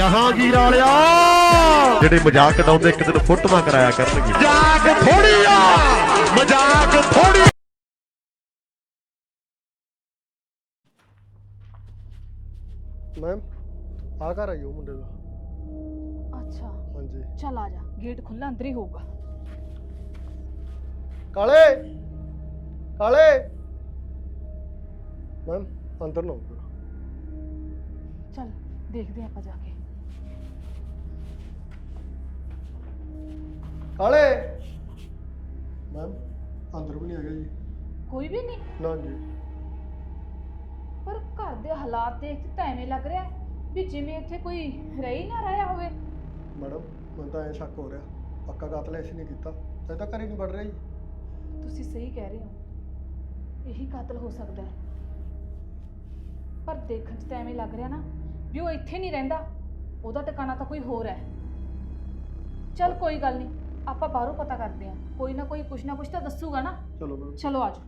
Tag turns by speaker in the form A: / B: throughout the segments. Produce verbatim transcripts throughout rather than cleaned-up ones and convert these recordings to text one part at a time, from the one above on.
A: ਜਹਾਂਗੀਰ ਵਾਲਿਆ ਜਿਹੜੇ ਮਜ਼ਾਕ ਉਡਾਉਂਦੇ ਇੱਕ ਦਿਨ ਫੋਟੋਆਂ ਕਰਾਇਆ ਕਰਨਗੇ। ਮਜ਼ਾਕ ਥੋੜੀ ਆ, ਮਜ਼ਾਕ ਥੋੜੀ।
B: ਮੈਮ ਆ ਘਰ ਆਈ ਉਹ ਮੁੰਡੇ ਦਾ।
C: अच्छा
B: ਹਾਂਜੀ
C: चल आ जा, गेट खुला अंदर ही होगा।
B: ਕਾਲੇ ਕਾਲੇ ਮੈਮ ਅੰਦਰ ਨਾ ਆਓ।
C: चल देखते हैं आप जाके।
B: ਕਾਲੇ ਮੈਮ ਅੰਦਰ ਵੀ ਨਹੀਂ ਹੈਗਾ ਜੀ।
C: कोई भी नहीं,
B: ਨਾ ਜੀ
C: पर घर दे हालात देख के ਤਾਂ ਐਵੇਂ ਲੱਗ ਰਿਹਾ ਵੀ ਜਿਵੇਂ ਇੱਥੇ ਕੋਈ ਰਹਿ ਹੀ ਨਾ ਰਿਹਾ ਹੋਵੇ।
B: ਮੈਡਮ ਮੈਨੂੰ ਤਾਂ ਐਂ ਸ਼ੱਕ ਹੋ ਰਿਹਾ ਪੱਕਾ ਕਾਤਲ ਐਸੀ ਨਹੀਂ ਕੀਤਾ ਤੇ ਤਾਂ ਘਰੇ ਨਹੀਂ ਵੜ ਰਿਹਾ ਜੀ।
C: ਤੁਸੀਂ ਸਹੀ ਕਹਿ ਰਹੇ ਹੋ, ਇਹੀ ਕਾਤਲ ਹੋ ਸਕਦਾ ਹੈ। ਪਰ ਦੇਖਣ 'ਚ ਤਾਂ ਐਵੇਂ ਲੱਗ ਰਿਹਾ ਨਾ ਵੀ ਉਹ ਇੱਥੇ ਨਹੀਂ ਰਹਿੰਦਾ, ਉਹਦਾ ਟਿਕਾਣਾ ਤਾਂ ਕੋਈ ਹੋਰ ਹੈ। ਚਲ ਕੋਈ ਗੱਲ ਨਹੀਂ, ਆਪਾਂ ਬਾਹਰੋਂ ਪਤਾ ਕਰਦੇ ਹਾਂ, ਕੋਈ ਨਾ ਕੋਈ ਕੁਛ ਨਾ ਕੁਛ ਤਾਂ ਦੱਸੂਗਾ ਨਾ।
B: ਚਲੋ ਮੈਮ।
C: ਚਲੋ ਆਜੋ।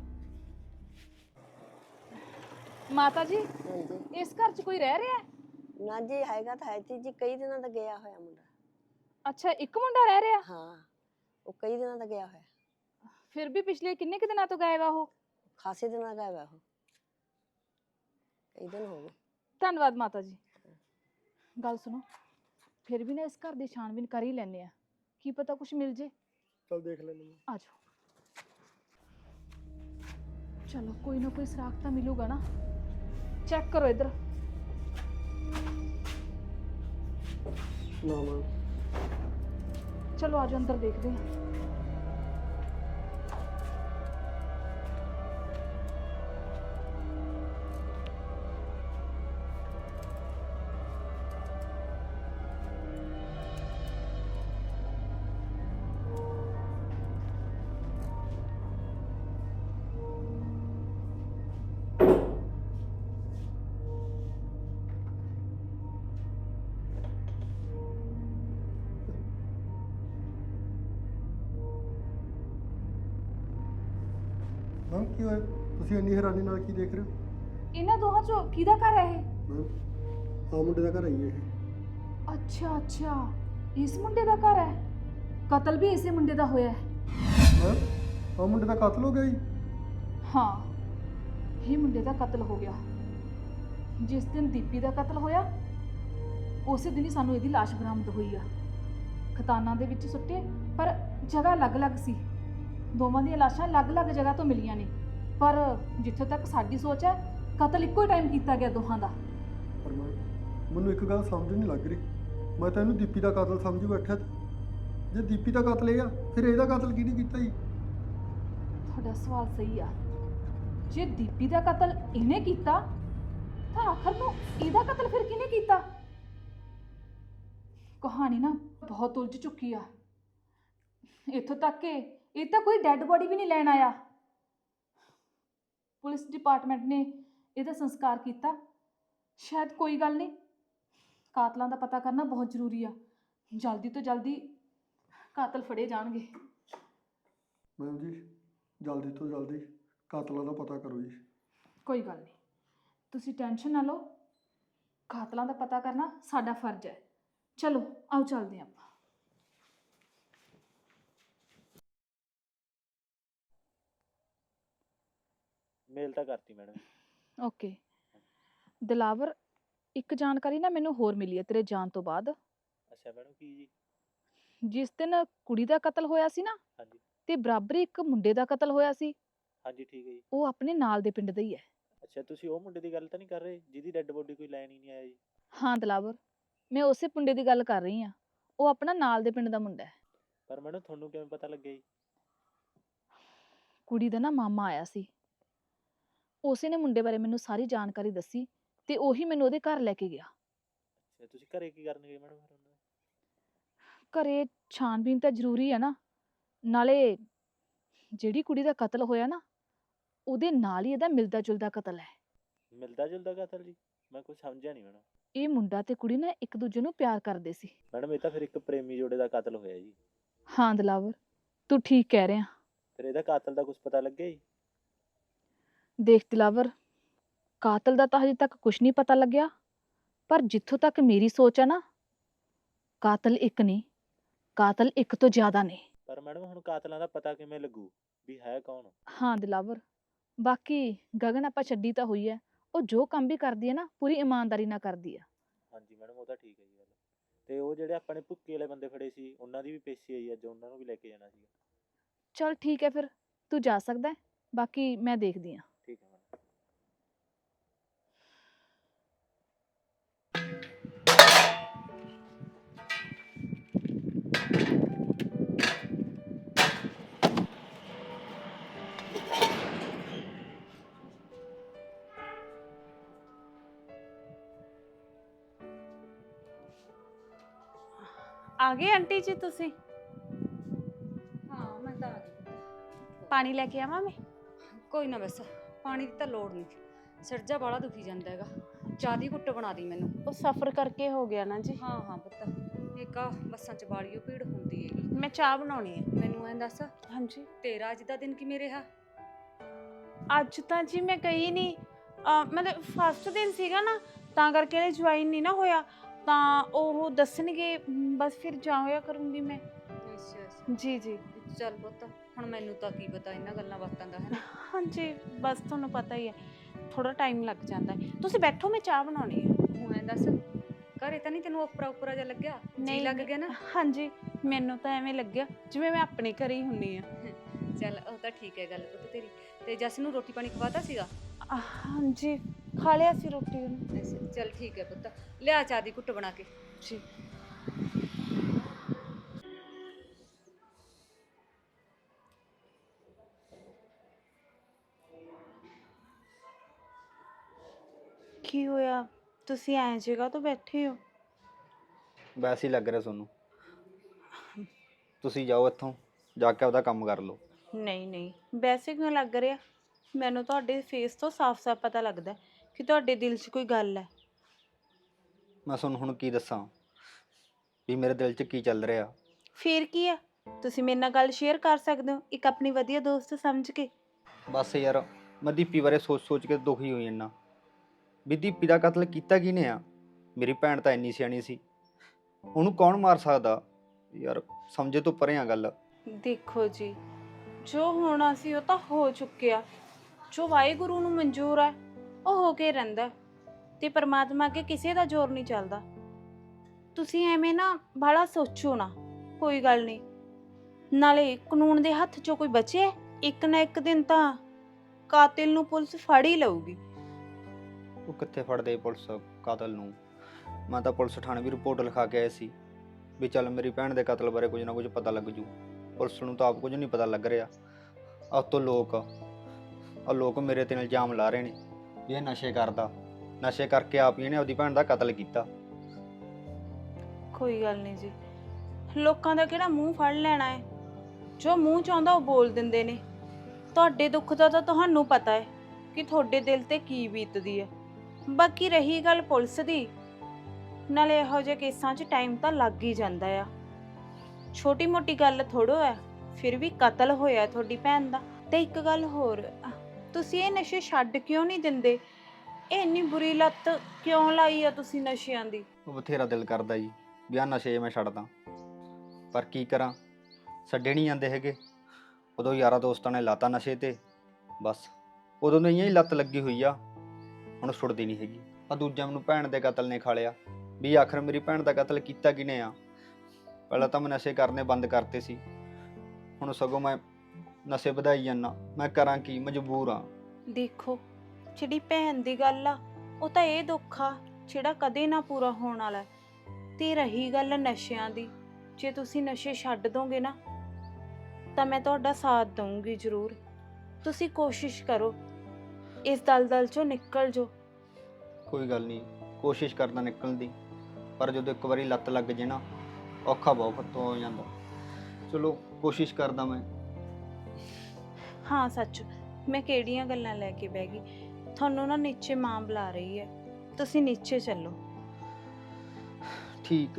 C: ਮਾਤਾ ਜੀ
D: ਹਾਂਜੀ
C: ਇਸ ਘਰ 'ਚ ਕੋਈ ਰਹਿ ਰਿਹਾ ਹੈ?
D: ਨਾ ਜੀ ਹੈਗਾ ਤਾਂ ਹੈ ਤੇ ਜੀ ਕਈ ਦਿਨਾਂ ਦਾ ਗਿਆ ਹੋਇਆ ਮੁੰਡਾ।
C: ਅੱਛਾ, ਇੱਕ ਮੁੰਡਾ ਰਹਿ ਰਿਹਾ?
D: ਹਾਂ ਉਹ ਕਈ ਦਿਨਾਂ ਦਾ ਗਿਆ ਹੋਇਆ,
C: ਫਿਰ ਵੀ ਪਿਛਲੇ ਕਿੰਨੇ ਕੁ ਦਿਨਾਂ ਤੋਂ ਗਾਇਬ ਆ ਉਹ?
D: ਖਾਸੇ ਦਿਨਾਂ ਦਾ ਗਿਆ ਹੋਇਆ ਉਹ, ਕਈ ਦਿਨ ਹੋ ਗਏ।
C: ਧੰਨਵਾਦ ਮਾਤਾ ਜੀ। ਗੱਲ ਸੁਣੋ, ਫਿਰ ਵੀ ਨਾ ਇਸ ਘਰ ਦੀ ਛਾਣਬੀਨ ਕਰ ਹੀ ਲੈਂਦੇ ਆ, ਕੀ ਪਤਾ ਕੁਝ ਮਿਲ ਜੇ।
B: ਚਲ ਦੇਖ ਲੈਂਦੇ ਮੈਂ।
C: ਆ ਜਾਓ। ਚਲੋ ਕੋਈ ਨਾ ਕੋਈ ਸੁਰਾਖ ਤਾਂ ਮਿਲੂਗਾ ਨਾ। ਚੈੱਕ ਕਰੋ ਇੱਧਰ।
B: ਨਾ ਮੈਮ।
C: ਚਲੋ ਆਜੋ ਅੰਦਰ ਦੇਖਦੇ ਹਾਂ।
B: ਮੈਮ ਕੀ ਹੋਇਆ ਤੁਸੀਂ ਇੰਨੀ ਹੈਰਾਨੀ ਨਾਲ ਕੀ ਦੇਖ ਰਹੇ ਹੋ?
C: ਇਹਨਾਂ ਦੋਹਾਂ ਚੋਂ ਕਿਹਦਾ ਘਰ ਹੈ ਇਹ?
B: ਮੈਮ ਆ ਮੁੰਡੇ ਦਾ ਘਰ ਆਈ ਹੈ ਇਹ।
C: ਅੱਛਾ ਅੱਛਾ, ਇਸ ਮੁੰਡੇ ਦਾ ਘਰ ਹੈ। ਕਤਲ ਵੀ ਇਸੇ ਮੁੰਡੇ ਦਾ ਹੋਇਆ ਹੈ।
B: ਮੈਮ ਆ ਮੁੰਡੇ ਦਾ ਕਤਲ ਹੋ ਗਿਆ ਜੀ?
C: ਹਾਂ, ਇਹ ਮੁੰਡੇ ਦਾ ਕਤਲ ਹੋ ਗਿਆ। ਜਿਸ ਦਿਨ ਦੀਪੀ ਦਾ ਕਤਲ ਹੋਇਆ ਉਸੇ ਦਿਨ ਹੀ ਸਾਨੂੰ ਇਹਦੀ ਲਾਸ਼ ਬਰਾਮਦ ਹੋਈ ਆ। ਖਤਾਨਾਂ ਦੇ ਵਿੱਚ ਸੁੱਟੇ, ਪਰ ਜਗ੍ਹਾ ਅਲੱਗ-ਅਲੱਗ ਸੀ। ਦੋਵਾਂ ਦੀਆਂ ਲਾਸ਼ਾਂ ਅਲੱਗ-ਅਲੱਗ ਜਗ੍ਹਾ ਤੋਂ ਮਿਲੀਆਂ ਨੇ, ਪਰ ਜਿੱਥੇ ਤੱਕ ਸਾਡੀ ਸੋਚ ਹੈ ਕਤਲ ਇੱਕੋ ਹੀ ਟਾਈਮ ਕੀਤਾ ਗਿਆ ਦੋਹਾਂ ਦਾ।
B: ਪਰ ਮੈਂ ਮੈਨੂੰ ਇੱਕ ਗੱਲ ਸਮਝ ਨਹੀਂ ਲੱਗ ਰਹੀ, ਮੈਂ ਤਾਂ ਇਹਨੂੰ ਦੀਪੀ ਦਾ ਕਤਲ ਸਮਝੀ ਬੈਠਾ ਤੇ ਜੇ ਦੀਪੀ ਦਾ ਕਤਲ ਇਹ ਆ ਫਿਰ ਇਹਦਾ ਕਤਲ ਕਿਹਨੇ ਕੀਤਾ ਜੀ?
C: ਤੁਹਾਡਾ ਸਵਾਲ ਸਹੀ ਆ। ਜੇ ਦੀਪੀ ਦਾ ਕਤਲ ਇਹਨੇ ਕੀਤਾ ਤਾਂ ਆਖਰ ਨੂੰ ਇਹਦਾ ਕਤਲ ਫਿਰ ਕਿਹਨੇ ਕੀਤਾ? ਕਹਾਣੀ ਨਾ ਬਹੁਤ ਉਲਝ ਚੁੱਕੀ ਆ। ਇੱਥੋਂ ਤੱਕ ਕਿ ਇਹ ਤਾਂ ਕੋਈ ਡੈੱਡ ਬੋਡੀ ਵੀ ਨਹੀਂ ਲੈਣ ਆਇਆ। ਪੁਲਿਸ ਡਿਪਾਰਟਮੈਂਟ ਨੇ ਇਹਦਾ ਸੰਸਕਾਰ ਕੀਤਾ। ਸ਼ਾਇਦ ਕੋਈ ਗੱਲ ਨਹੀਂ, ਕਾਤਲਾਂ ਦਾ ਪਤਾ ਕਰਨਾ ਬਹੁਤ ਜ਼ਰੂਰੀ ਆ। ਜਲਦੀ ਤੋਂ ਜਲਦੀ ਕਾਤਲ ਫੜੇ ਜਾਣਗੇ।
B: ਮੈਮ ਜੀ ਜਲਦੀ ਤੋਂ ਜਲਦੀ ਕਾਤਲਾਂ ਦਾ ਪਤਾ ਕਰੋ ਜੀ।
C: ਕੋਈ ਗੱਲ ਨਹੀਂ, ਤੁਸੀਂ ਟੈਨਸ਼ਨ ਨਾ ਲਓ। ਕਾਤਲਾਂ ਦਾ ਪਤਾ ਕਰਨਾ ਸਾਡਾ ਫਰਜ਼ ਹੈ। ਚਲੋ ਆਓ ਚੱਲਦੇ ਹਾਂ ਆਪਾਂ।
E: ਮੇਲ ਤਾਂ ਕਰਤੀ ਮੈਡਮ।
C: ਓਕੇ ਦਿਲਾਵਰ, ਇੱਕ ਜਾਣਕਾਰੀ ਨਾ ਮੈਨੂੰ ਹੋਰ ਮਿਲੀ ਹੈ ਤੇਰੇ ਜਾਣ ਤੋਂ ਬਾਅਦ।
E: ਅੱਛਾ ਮੈਡਮ, ਕੀ ਜੀ?
C: ਜਿਸ ਦਿਨ ਕੁੜੀ ਦਾ ਕਤਲ ਹੋਇਆ ਸੀ ਨਾ,
E: ਹਾਂਜੀ
C: ਤੇ ਬਰਾਬਰ ਇੱਕ ਮੁੰਡੇ ਦਾ ਕਤਲ ਹੋਇਆ ਸੀ।
E: ਹਾਂਜੀ ਠੀਕ ਹੈ ਜੀ।
C: ਉਹ ਆਪਣੇ ਨਾਲ ਦੇ ਪਿੰਡ ਦਾ ਹੀ ਹੈ।
E: ਅੱਛਾ, ਤੁਸੀਂ ਉਹ ਮੁੰਡੇ ਦੀ ਗੱਲ ਤਾਂ ਨਹੀਂ ਕਰ ਰਹੇ ਜਿਹਦੀ ਡੈੱਡ ਬੋਡੀ ਕੋਈ ਲੈਣ ਹੀ ਨਹੀਂ ਆਇਆ ਜੀ?
C: ਹਾਂ ਦਿਲਾਵਰ, ਮੈਂ ਉਸੇ ਮੁੰਡੇ ਦੀ ਗੱਲ ਕਰ ਰਹੀ ਹਾਂ। ਉਹ ਆਪਣਾ ਨਾਲ ਦੇ ਪਿੰਡ ਦਾ ਮੁੰਡਾ ਹੈ।
E: ਪਰ ਮੈਡਮ ਤੁਹਾਨੂੰ ਕਿਵੇਂ ਪਤਾ ਲੱਗਿਆ ਜੀ?
C: ਕੁੜੀ ਦਾ ਨਾ ਮਾਮਾ ਆਇਆ ਸੀ, ਉਸੇ ਨੇ ਮੁੰਡੇ ਬਾਰੇ ਮੈਨੂੰ ਸਾਰੀ ਜਾਣਕਾਰੀ ਦੱਸੀ ਤੇ ਉਹੀ ਮੈਨੂੰ ਉਹਦੇ ਘਰ ਲੈ ਕੇ ਗਿਆ।
E: ਅੱਛਾ, ਤੁਸੀਂ ਘਰੇ ਕੀ ਕਰਨ ਗਏ ਮੈਡਮ ਫਿਰ ਉਹਨਾਂ ਦੇ?
C: ਘਰੇ ਛਾਣਬੀਨ ਤਾਂ ਜ਼ਰੂਰੀ ਹੈ ਨਾ, ਨਾਲੇ ਜਿਹੜੀ ਕੁੜੀ ਦਾ ਕਤਲ ਹੋਇਆ ਨਾ ਉਹਦੇ ਨਾਲ ਹੀ ਇਹਦਾ ਮਿਲਦਾ ਜੁਲਦਾ ਕਤਲ ਹੈ।
E: ਮਿਲਦਾ ਜੁਲਦਾ ਕਤਲ ਜੀ? ਮੈਂ ਕੁਝ ਸਮਝਿਆ ਨਹੀਂ ਮੈਡਮ।
C: ਇਹ ਮੁੰਡਾ ਤੇ ਕੁੜੀ ਨਾ ਇੱਕ ਦੂਜੇ ਨੂੰ ਪਿਆਰ ਕਰਦੇ ਸੀ।
E: ਮੈਡਮ ਇਹ ਤਾਂ ਫਿਰ ਇੱਕ ਪ੍ਰੇਮੀ ਜੋੜੇ ਦਾ ਕਤਲ ਹੋਇਆ ਜੀ।
C: ਹਾਂ ਦਿਲਾਵਰ, ਤੂੰ ਠੀਕ ਕਹਿ ਰਿਹਾ।
E: ਫਿਰ ਇਹਦਾ ਕਾਤਲ ਦਾ ਕੁਝ ਪਤਾ ਲੱਗਿਆ ਜੀ?
C: ਦੇਖ ਦਿਲਾਵਰ, ਕਾਤਲ ਦਾ ਤਾਂ ਹਜੇ ਤੱਕ ਕੁਝ ਨਹੀਂ ਪਤਾ ਲੱਗਿਆ, ਪਰ ਜਿੱਥੋਂ ਤੱਕ ਮੇਰੀ ਸੋਚ ਹੈ ਨਾ, ਕਾਤਲ ਇੱਕ ਨਹੀਂ, ਕਾਤਲ ਇੱਕ ਤੋਂ ਜ਼ਿਆਦਾ ਨੇ।
E: ਪਰ ਮੈਡਮ ਹੁਣ ਕਾਤਲਾਂ ਦਾ ਪਤਾ ਕਿਵੇਂ ਲੱਗੂ ਵੀ ਹੈ ਕੌਣ?
C: ਹਾਂ ਦਿਲਾਵਰ, ਬਾਕੀ ਗਗਨ ਆਪਾਂ ਛੱਡੀ ਤਾਂ ਹੋਈ ਹੈ, ਉਹ ਜੋ ਕੰਮ ਵੀ ਕਰਦੀ ਹੈ ਨਾ ਪੂਰੀ ਇਮਾਨਦਾਰੀ ਨਾਲ ਕਰਦੀ ਆ।
E: ਹਾਂਜੀ ਮੈਡਮ ਉਹ ਤਾਂ ਠੀਕ ਹੈ ਜੀ ਗੱਲ। ਤੇ ਉਹ ਜਿਹੜੇ ਆਪਣੇ ਭੁੱਕੀ ਵਾਲੇ ਬੰਦੇ ਫੜੇ ਸੀ ਉਹਨਾਂ ਦੀ ਵੀ ਪੇਸ਼ੀ ਆਈ ਅੱਜ, ਉਹਨਾਂ ਨੂੰ ਵੀ ਲੈ ਕੇ ਜਾਣਾ ਸੀਗਾ।
C: ਚਲ ਠੀਕ ਹੈ ਫਿਰ, ਤੂੰ ਜਾ ਸਕਦਾ ਹੈ, ਬਾਕੀ ਮੈਂ ਦੇਖਦੀ ਹਾਂ।
E: ਠੀਕ ਹੈ ਮੈਡਮ।
F: ਆ ਗਏ ਆਂਟੀ ਜੀ ਤੁਸੀਂ?
G: ਹਾਂ ਮੈਂ ਤਾਂ ਆ ਗਈ।
F: ਪਾਣੀ ਲੈ ਕੇ ਆਵਾਂ ਮੈਂ?
G: ਕੋਈ ਨਾ ਬਸ, ਪਾਣੀ ਦੀ ਤਾਂ ਲੋੜ ਨਹੀਂ। ਸਿਰਜਾ ਬਾਲਾ ਦੁਖੀ ਜਾਂਦਾ ਹੈਗਾ, ਚਾਹ ਦੀ ਘੁੱਟ ਬਣਾ ਦੀ ਮੈਨੂੰ।
F: ਉਹ ਸਫ਼ਰ ਕਰਕੇ ਹੋ ਗਿਆ ਨਾ ਜੀ।
G: ਹਾਂ ਹਾਂ ਪੁੱਤ, ਇੱਕ ਆ ਬੱਸਾਂ 'ਚ ਬਾਲੀਓ ਭੀੜ ਹੁੰਦੀ ਹੈਗੀ।
F: ਮੈਂ ਚਾਹ ਬਣਾਉਣੀ ਹੈ।
G: ਮੈਨੂੰ ਐਂ ਦੱਸ,
F: ਹਾਂਜੀ
G: ਤੇਰਾ ਅੱਜ ਦਾ ਦਿਨ ਕਿਵੇਂ ਰਿਹਾ?
F: ਅੱਜ ਤਾਂ ਜੀ ਮੈਂ ਗਈ ਨਹੀਂ, ਮਤਲਬ ਫਸਟ ਦਿਨ ਸੀਗਾ ਨਾ, ਤਾਂ ਕਰਕੇ ਜੁਆਇਨ ਨਹੀਂ ਨਾ ਹੋਇਆ, ਤਾਂ ਉਹ ਦੱਸਣਗੇ ਬਸ ਫਿਰ ਜਾ ਹੋਇਆ ਕਰੂੰਗੀ ਮੈਂ।
G: ਅੱਛਾ ਅੱਛਾ
F: ਜੀ ਜੀ।
G: ਚੱਲ ਪੁੱਤ, ਹੁਣ ਮੈਨੂੰ ਤਾਂ ਕੀ ਪਤਾ ਇਹਨਾਂ ਗੱਲਾਂ ਬਾਤਾਂ ਦਾ, ਹੈ ਨਾ।
F: ਹਾਂਜੀ ਬਸ ਤੁਹਾਨੂੰ ਪਤਾ ਹੀ ਹੈ, ਥੋੜਾ ਟਾਈਮ ਲੱਗ ਜਾਂਦਾ ਹੈ। ਤੁਸੀਂ ਬੈਠੋ, ਮੈਂ ਚਾਹ ਬਣਾਉਣੀ ਹੈ।
G: ਹੁਣ ਐਂ ਦੱਸ, ਘਰੇ ਤਾਂ ਨਹੀਂ ਤੈਨੂੰ ਉਪਰਾ ਉਪਰਾ ਜਿਹਾ ਲੱਗਿਆ? ਜੀ ਲੱਗ ਗਿਆ ਨਾ?
F: ਹਾਂਜੀ ਮੈਨੂੰ ਤਾਂ ਐਵੇਂ ਲੱਗਿਆ ਜਿਵੇਂ ਮੈਂ ਆਪਣੇ ਘਰੇ ਹੀ ਹੁੰਨੀ ਆ।
G: ਚੱਲ ਉਹ ਤਾਂ ਠੀਕ ਹੈ ਗੱਲ ਪੁੱਤ ਤੇਰੀ। ਤੇ ਜਸ ਨੂੰ ਰੋਟੀ ਪਾਣੀ ਖਵਾਤਾ ਸੀਗਾ?
F: ਹਾਂਜੀ ਖਾ ਲਿਆ ਸੀ ਰੋਟੀ ਉਹਨੂੰ।
G: ਅੱਛਾ ਚੱਲ ਠੀਕ ਹੈ ਪੁੱਤ, ਲਿਆ ਚਾਹ ਦੀ ਘੁੱਟ ਬਣਾ ਕੇ।
F: ਜੀ। ਕੀ ਹੋਇਆ, ਤੁਸੀਂ ਐਂ ਜਗ੍ਹਾ ਤੋਂ ਬੈਠੇ ਹੋ?
H: ਵੈਸੇ ਹੀ ਲੱਗ ਰਿਹਾ ਤੁਹਾਨੂੰ। ਤੁਸੀਂ ਜਾਓ ਇੱਥੋਂ, ਜਾ ਕੇ ਆਪਦਾ ਕੰਮ ਕਰ ਲਓ।
F: ਨਹੀਂ ਨਹੀਂ, ਵੈਸੇ ਕਿਉਂ ਲੱਗ ਰਿਹਾ? ਮੈਨੂੰ ਤੁਹਾਡੇ ਫੇਸ ਤੋਂ ਸਾਫ਼-ਸਾਫ਼ ਪਤਾ ਲੱਗਦਾ ਕਿ ਤੁਹਾਡੇ ਦਿਲ 'ਚ ਕੋਈ ਗੱਲ ਹੈ।
H: ਮੈਂ ਤੁਹਾਨੂੰ ਹੁਣ ਕੀ ਦੱਸਾਂ ਵੀ ਮੇਰੇ ਦਿਲ 'ਚ ਕੀ ਚੱਲ ਰਿਹਾ।
F: ਫੇਰ ਕੀ ਆ, ਤੁਸੀਂ ਮੇਰੇ ਨਾਲ ਗੱਲ ਸ਼ੇਅਰ ਕਰ ਸਕਦੇ ਹੋ ਇੱਕ ਆਪਣੀ ਵਧੀਆ ਦੋਸਤ ਸਮਝ ਕੇ।
H: ਬਸ ਯਾਰ, ਮੈਂ ਦੀਪੀ ਬਾਰੇ ਸੋਚ-ਸੋਚ ਕੇ ਦੁਖੀ ਹੋਈ ਜਾਂਦਾ ਵੀ ਦੀਪੀ ਦਾ ਕਤਲ ਕੀਤਾ ਕਿਹਨੇ ਆ। ਮੇਰੀ ਭੈਣ ਤਾਂ ਇੰਨੀ ਸਿਆਣੀ ਸੀ, ਉਹਨੂੰ ਕੌਣ ਮਾਰ ਸਕਦਾ ਯਾਰ। ਸਮਝੇ ਤੋਂ ਪਰੇ ਆ ਗੱਲ।
F: ਦੇਖੋ ਜੀ, ਜੋ ਹੋਣਾ ਸੀ ਉਹ ਤਾਂ ਹੋ ਚੁੱਕਿਆ। ਜੋ ਵਾਹਿਗੁਰੂ ਨੂੰ ਮਨਜ਼ੂਰ ਹੈ ਉਹ ਹੋ ਕੇ ਰਹਿੰਦਾ, ਤੇ ਪਰਮਾਤਮਾ ਅੱਗੇ ਕਿਸੇ ਦਾ ਜ਼ੋਰ ਨਹੀਂ ਚੱਲਦਾ। ਤੁਸੀਂ ਐਵੇਂ ਨਾ ਬਾਹਲਾ ਸੋਚੋ ਨਾ, ਕੋਈ ਗੱਲ ਨਹੀਂ। ਨਾਲੇ ਕਾਨੂੰਨ ਦੇ ਹੱਥ 'ਚੋਂ ਕੋਈ ਬਚਿਆ? ਇੱਕ ਨਾ ਇੱਕ ਦਿਨ ਤਾਂ ਕਾਤਿਲ ਨੂੰ ਪੁਲਿਸ ਫੜ ਹੀ ਲਊਗੀ।
H: ਉਹ ਕਿੱਥੇ ਫੜਦੇ ਪੁਲਿਸ ਕਾਤਲ ਨੂੰ। ਮੈਂ ਤਾਂ ਪੁਲਿਸ ਥਾਣੇ ਵੀ ਰਿਪੋਰਟ ਲਿਖਾ ਕੇ ਆਇਆ ਸੀ ਵੀ ਚੱਲ ਮੇਰੀ ਭੈਣ ਦੇ ਕਤਲ ਬਾਰੇ ਕੁਝ ਨਾ ਕੁਝ ਪਤਾ ਲੱਗ ਜੂ। ਪੁਲਿਸ ਨੂੰ ਤਾਂ ਆਪ ਕੁਝ ਨਹੀਂ ਪਤਾ ਲੱਗ ਰਿਹਾ। ਆਹ ਤੋਂ ਲੋਕ ਆ ਲੋਕ ਮੇਰੇ ਤੇ ਇਲਜ਼ਾਮ ਲਾ ਰਹੇ ਨੇ ਵੀ ਇਹ ਨਸ਼ੇ ਕਰਦਾ, ਨਸ਼ੇ ਕਰਕੇ ਆਪ ਹੀ ਇਹਨੇ ਆਪਦੀ ਭੈਣ ਦਾ ਕਤਲ ਕੀਤਾ।
F: ਕੋਈ ਗੱਲ ਨਹੀਂ ਜੀ, ਲੋਕਾਂ ਦਾ ਕਿਹੜਾ ਮੂੰਹ ਫੜ ਲੈਣਾ ਹੈ। ਜੋ ਮੂੰਹ 'ਚ ਆਉਂਦਾ ਉਹ ਬੋਲ ਦਿੰਦੇ ਨੇ। ਤੁਹਾਡੇ ਦੁੱਖ ਦਾ ਤਾਂ ਤੁਹਾਨੂੰ ਪਤਾ ਹੈ ਕਿ ਤੁਹਾਡੇ ਦਿਲ ਤੇ ਕੀ ਬੀਤਦੀ ਹੈ। ਬਾਕੀ ਰਹੀ ਗੱਲ ਪੁਲਿਸ ਦੀ, ਨਾਲੇ ਇਹੋ ਜਿਹੇ ਕੇਸਾਂ 'ਚ ਟਾਈਮ ਤਾਂ ਲੱਗ ਹੀ ਜਾਂਦਾ ਆ। ਛੋਟੀ ਮੋਟੀ ਗੱਲ ਥੋੜੋ ਹੈ, ਫਿਰ ਵੀ ਕਤਲ ਹੋਇਆ ਤੁਹਾਡੀ ਭੈਣ ਦਾ। ਤੇ ਇੱਕ ਗੱਲ ਹੋਰ, ਤੁਸੀਂ ਇਹ ਨਸ਼ੇ ਛੱਡ ਕਿਉਂ ਨਹੀਂ ਦਿੰਦੇ? ਇਹ ਇੰਨੀ ਬੁਰੀ ਲੱਤ ਕਿਉਂ ਲਾਈ ਆ ਤੁਸੀਂ ਨਸ਼ਿਆਂ ਦੀ?
H: ਉਹ ਬਥੇਰਾ ਦਿਲ ਕਰਦਾ ਜੀ ਵੀ ਆਹ ਨਸ਼ੇ ਮੈਂ ਛੱਡਦਾ, ਪਰ ਕੀ ਕਰਾਂ, ਛੱਡੇ ਨਹੀਂ ਜਾਂਦੇ ਹੈਗੇ। ਉਦੋਂ ਯਾਰਾਂ ਦੋਸਤਾਂ ਨੇ ਲਾਤਾ ਨਸ਼ੇ ਤੇ, ਬਸ ਉਦੋਂ ਤੋਂ ਹੀ ਲੱਤ ਲੱਗੀ ਹੋਈ ਆ, ਹੁਣ ਛੁੱਟਦੀ ਨਹੀਂ ਹੈਗੀ। ਆ ਦੂਜਾ ਮੈਨੂੰ ਭੈਣ ਦੇ ਕਤਲ ਨੇ ਖਾ ਲਿਆ ਵੀ ਆਖਰ ਮੇਰੀ ਭੈਣ ਦਾ ਕਤਲ ਕੀਤਾ ਕਿਨੇ ਆ। ਪਹਿਲਾਂ ਤਾਂ ਮੈਂ ਨਸ਼ੇ ਕਰਨੇ ਬੰਦ ਕਰਤੇ ਸੀ, ਹੁਣ ਸਗੋਂ ਮੈਂ ਨਸ਼ੇ ਵਧਾਈ ਜਾਂਦਾ। ਮੈਂ ਕਰਾਂ ਕੀ, ਮਜਬੂਰ ਆ।
F: ਦੇਖੋ, ਜਿਹੜੀ ਭੈਣ ਦੀ ਗੱਲ ਆ ਉਹ ਤਾਂ ਇਹ ਦੁੱਖ ਆ ਜਿਹੜਾ ਕਦੇ ਨਾ ਪੂਰਾ ਹੋਣ ਵਾਲਾ ਹੈ। ਤੇ ਰਹੀ ਗੱਲ ਨਸ਼ਿਆਂ ਦੀ, ਜੇ ਤੁਸੀਂ ਨਸ਼ੇ ਛੱਡ ਦੋਗੇ ਨਾ ਤਾਂ ਮੈਂ ਤੁਹਾਡਾ ਸਾਥ ਦਊਂਗੀ ਜ਼ਰੂਰ। ਤੁਸੀਂ ਕੋਸ਼ਿਸ਼ ਕਰੋ, ਇਸ ਦਲਦਲ ਚੋਂ ਨਿਕਲ ਜਾਓ।
H: ਕੋਈ ਗੱਲ ਨਹੀਂ, ਕੋਸ਼ਿਸ਼ ਕਰਦਾ ਨਿਕਲਣ ਦੀ, ਪਰ ਜਦੋਂ ਇੱਕ ਵਾਰੀ ਲੱਤ ਲੱਗ ਜੇ ਨਾ ਔਖਾ ਬਹੁਤ ਹੋ ਜਾਂਦਾ। ਚਲੋ ਕੋਸ਼ਿਸ਼ ਕਰਦਾ ਮੈਂ।
F: ਹਾਂ ਸੱਚ, ਮੈਂ ਕਿਹੜੀਆਂ ਗੱਲਾਂ ਲੈ ਕੇ ਬਹਿ ਗਈ। ਤੁਹਾਨੂੰ ਨਾ ਨੀਚੇ ਮਾਂ ਬੁਲਾ ਰਹੀ ਹੈ, ਤੁਸੀਂ ਨੀਚੇ ਚੱਲੋ।
H: ਠੀਕ।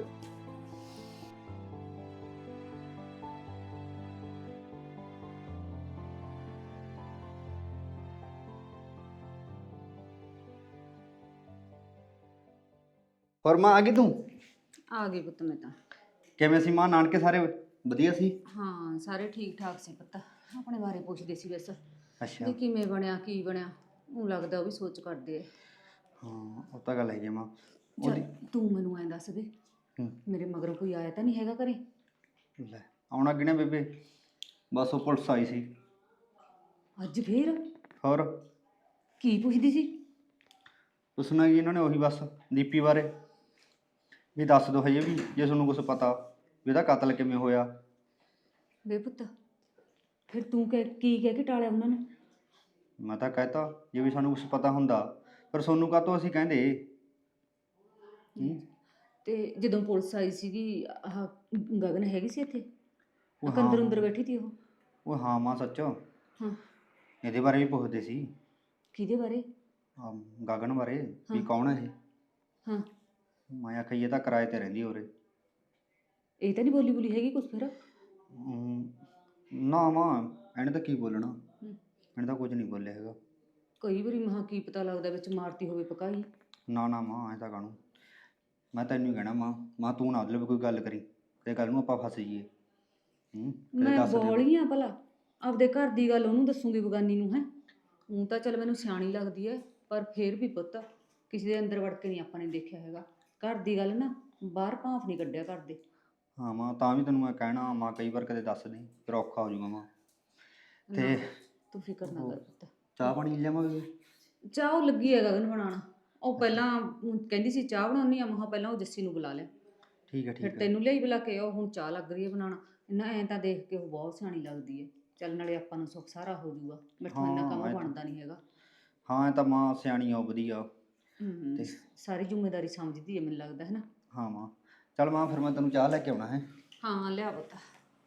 H: ਫਰਮਾ ਆ ਗਈ ਤੂੰ?
G: ਆ ਗਈ ਪੁੱਤ ਮੈਂ ਤਾਂ।
H: ਕਿਵੇਂ ਸੀ ਮਾਂ, ਨਾਨਕੇ ਸਾਰੇ ਵਧੀਆ ਸੀ?
G: ਹਾਂ ਸਾਰੇ ਠੀਕ ਠਾਕ ਸੀ ਪੁੱਤ। ਆਪਣੇ ਬਾਰੇ ਪੁੱਛਦੇ ਸੀ ਬਸ
H: ਅੱਛਾ
G: ਵੀ ਕਿਵੇਂ ਬਣਿਆ ਕੀ ਬਣਿਆ। ਉਹ ਲੱਗਦਾ ਉਹ ਵੀ ਸੋਚ ਕਰਦੇ ਆ।
H: ਹਾਂ ਉਹ ਤਾਂ ਗੱਲ ਹੈਗੀ ਆ ਮਾਂ।
G: ਚੱਲ
H: ਉਹਦੀ
G: ਤੂੰ ਮੈਨੂੰ ਐਂ ਦੱਸ ਦੇ,
H: ਹੂੰ।
G: ਮੇਰੇ ਮਗਰੋਂ ਕੋਈ ਆਇਆ ਤਾਂ ਨਹੀਂ ਹੈਗਾ ਘਰੇ?
H: ਲੈ ਆਉਣਾ ਕਿਹਨੇ ਬੇਬੇ, ਬਸ ਉਹ ਪੁਲਿਸ ਆਈ ਸੀ।
G: ਅੱਜ ਫੇਰ
H: ਹੋਰ
G: ਕੀ ਪੁੱਛਦੀ ਸੀ?
H: ਪੁੱਛਣਾ ਕੀ ਇਹਨਾਂ ਨੇ, ਉਹੀ ਬਸ ਦੀਪੀ ਬਾਰੇ ਵੀ ਦੱਸ ਦਿਓ ਹਜੇ ਵੀ ਜੇ ਤੁਹਾਨੂੰ ਕੁਝ ਪਤਾ ਵੀ ਇਹਦਾ ਕਤਲ ਕਿਵੇਂ ਹੋਇਆ।
G: ਵੇ ਪੁੱਤ ਫਿਰ ਤੂੰ ਕਹਿ ਕੀ ਕਹਿ ਕੇ ਟਾਲਿਆ ਉਹਨਾਂ ਨੂੰ?
H: ਮੈਂ ਤਾਂ ਕਹਿਤਾ ਜੇ ਵੀ ਸਾਨੂੰ ਕੁਝ ਪਤਾ ਹੁੰਦਾ, ਪਰ ਤੁਹਾਨੂੰ ਕਾਹਤੋਂ ਅਸੀਂ ਕਹਿੰਦੇ। ਹੂੰ।
G: ਤੇ ਜਦੋਂ ਪੁਲਿਸ ਆਈ ਸੀਗੀ ਆਹ ਗਗਨ ਹੈਗੀ ਸੀ ਇੱਥੇ?
H: ਉਹ
G: ਆਹ ਅੰਦਰ
H: ਹਾਂ।
G: ਅੰਦਰ ਬੈਠੀ ਸੀ ਉਹ?
H: ਉਹ ਹਾਂ ਮਾਂ ਸੱਚ
G: ਹਾਂ।
H: ਇਹਦੇ ਬਾਰੇ ਵੀ ਪੁੱਛਦੇ ਸੀ।
G: ਕਿਹਦੇ ਬਾਰੇ?
H: ਆਹ ਗਗਨ ਬਾਰੇ ਵੀ
G: ਹਾਂ।
H: ਕੌਣ ਹੈ ਇਹ।
G: ਹਾਂ
H: ਮੈਂ ਆਖਿਆ ਇਹ ਤਾਂ ਕਿਰਾਏ ਤੇ ਰਹਿੰਦੀ ਉਰੇ।
G: ਇਹ ਤਾਂ ਨਹੀਂ ਬੋਲੀ ਬੋਲੀ ਹੈਗੀ ਕੁਛ ਫਿਰ?
H: ਹਮ, ਨਾ ਮਾਂ ਇਹਨੇ ਤਾਂ ਕੀ ਬੋਲਣਾ,
G: ਹੂੰ।
H: ਇਹਨੇ ਤਾਂ ਕੁਝ ਨਹੀਂ ਬੋਲਿਆ ਹੈਗਾ।
G: ਕਈ ਵਾਰੀ ਮਹਾ ਕੀ ਪਤਾ ਲੱਗਦਾ ਵਿੱਚ ਮਾਰਤੀ ਹੋਵੇ ਪਕਾਈ।
H: ਨਾ ਨਾ ਮਾਂ ਐਂ ਤਾਂ ਕਾਹਨੂੰ, ਮੈਂ ਤੈਨੂੰ ਹੀ ਕਹਿਣਾ ਮਾਂ ਮਾਂ ਤੂੰ ਨਾ ਉਹਦੇ ਕੋਈ ਗੱਲ ਕਰੀ ਤੇ ਕੱਲ ਨੂੰ ਆਪਾਂ ਫਸ ਜਾਈਏ। ਹੂੰ ਕਦੇ
G: ਮੈਂ
H: ਦੱਸ ਦਿਓ।
G: ਬੋਲੀ ਆ ਭਲਾ ਆਪਦੇ ਘਰ ਦੀ ਗੱਲ ਉਹਨੂੰ ਦੱਸੂਗੀ ਬਗਾਨੀ ਨੂੰ? ਹੈ ਉਹ ਤਾਂ ਚੱਲ ਮੈਨੂੰ ਸਿਆਣੀ ਲੱਗਦੀ ਹੈ, ਪਰ ਫੇਰ ਵੀ ਪੁੱਤ ਕਿਸੇ ਦੇ ਅੰਦਰ ਵੜ ਕੇ ਨਹੀਂ ਆਪਾਂ ਨੇ ਦੇਖਿਆ ਹੈਗਾ। ਘਰ ਦੀ ਗੱਲ ਨਾ ਬਾਹਰ ਭਾਂਫ ਨਹੀਂ ਕੱਢਿਆ ਕਰਦੇ।
H: ਹਾਂ ਮਾਂ ਤਾਂ ਵੀ ਤੈਨੂੰ ਮੈਂ ਕਹਿਣਾ ਮਾਂ ਕਈ ਵਾਰ ਕਦੇ ਦੱਸ ਦੇ ਫਿਰ ਔਖਾ ਹੋ ਜਾਊਗਾ ਮਾਂ। ਤੇ
G: ਨਾ, ਤੂੰ ਫਿਕਰ ਨਾ ਕਰ ਪੁੱਤ।
H: ਚਾਹ ਪਾਣੀ ਲਿਆਵਾਂਗੇ?
G: ਚਾਹ ਉਹ ਲੱਗੀ ਹੈ ਗਗਨ ਬਣਾਉਣਾ। ਉਹ ਪਹਿਲਾਂ ਊਂ ਕਹਿੰਦੀ ਸੀ ਚਾਹ ਬਣਾਉਣੀ ਆ, ਮਹਾ ਪਹਿਲਾਂ ਉਹ ਜੱਸੀ ਨੂੰ ਬੁਲਾ ਲਿਆ,
H: ਠੀਕ ਹੈ
G: ਫਿਰ
H: ਠੀਕ ਹੈ।
G: ਤੈਨੂੰ ਲਿਆਈ ਬੁਲਾ ਕੇ ਉਹ ਹੁਣ ਚਾਹ ਲੱਗ ਰਹੀ ਹੈ ਬਣਾਉਣਾ। ਨਾ ਐਂ ਤਾਂ ਦੇਖ ਕੇ ਉਹ ਬਹੁਤ ਸਿਆਣੀ ਲੱਗਦੀ ਹੈ। ਚੱਲ ਨਾਲੇ ਆਪਾਂ ਨੂੰ ਸੁੱਖ ਸਾਰਾ ਹੋ ਜਾਊਗਾ, ਮੈਥੋਂ ਇੰਨਾ
H: ਹਾਂ,
G: ਕੰਮ
H: ਇਹ ਤਾਂ-
G: ਬਣਦਾ ਨਹੀਂ ਹੈਗਾ।
H: ਹਾਂ ਇਹ ਤਾਂ ਮਾਂ ਸਿਆਣੀ ਆ ਉਹ ਵਧੀਆ।
G: ਹੂੰ,
H: ਤੇ-
G: ਸਾਰੀ ਜ਼ਿੰਮੇਵਾਰੀ ਸਮਝਦੀ ਹੈ ਮੈਨੂੰ ਲੱਗਦਾ ਹੈ ਨਾ।
H: ਹਾਂ ਮਾਂ ਚੱਲ ਮਾਂ ਫਿਰ ਮੈਂ ਤੈਨੂੰ ਚਾਹ ਲੈ ਕੇ ਆਉਣਾ ਹੈ।
G: ਹਾਂ ਲਿਆ ਪੁੱਤ।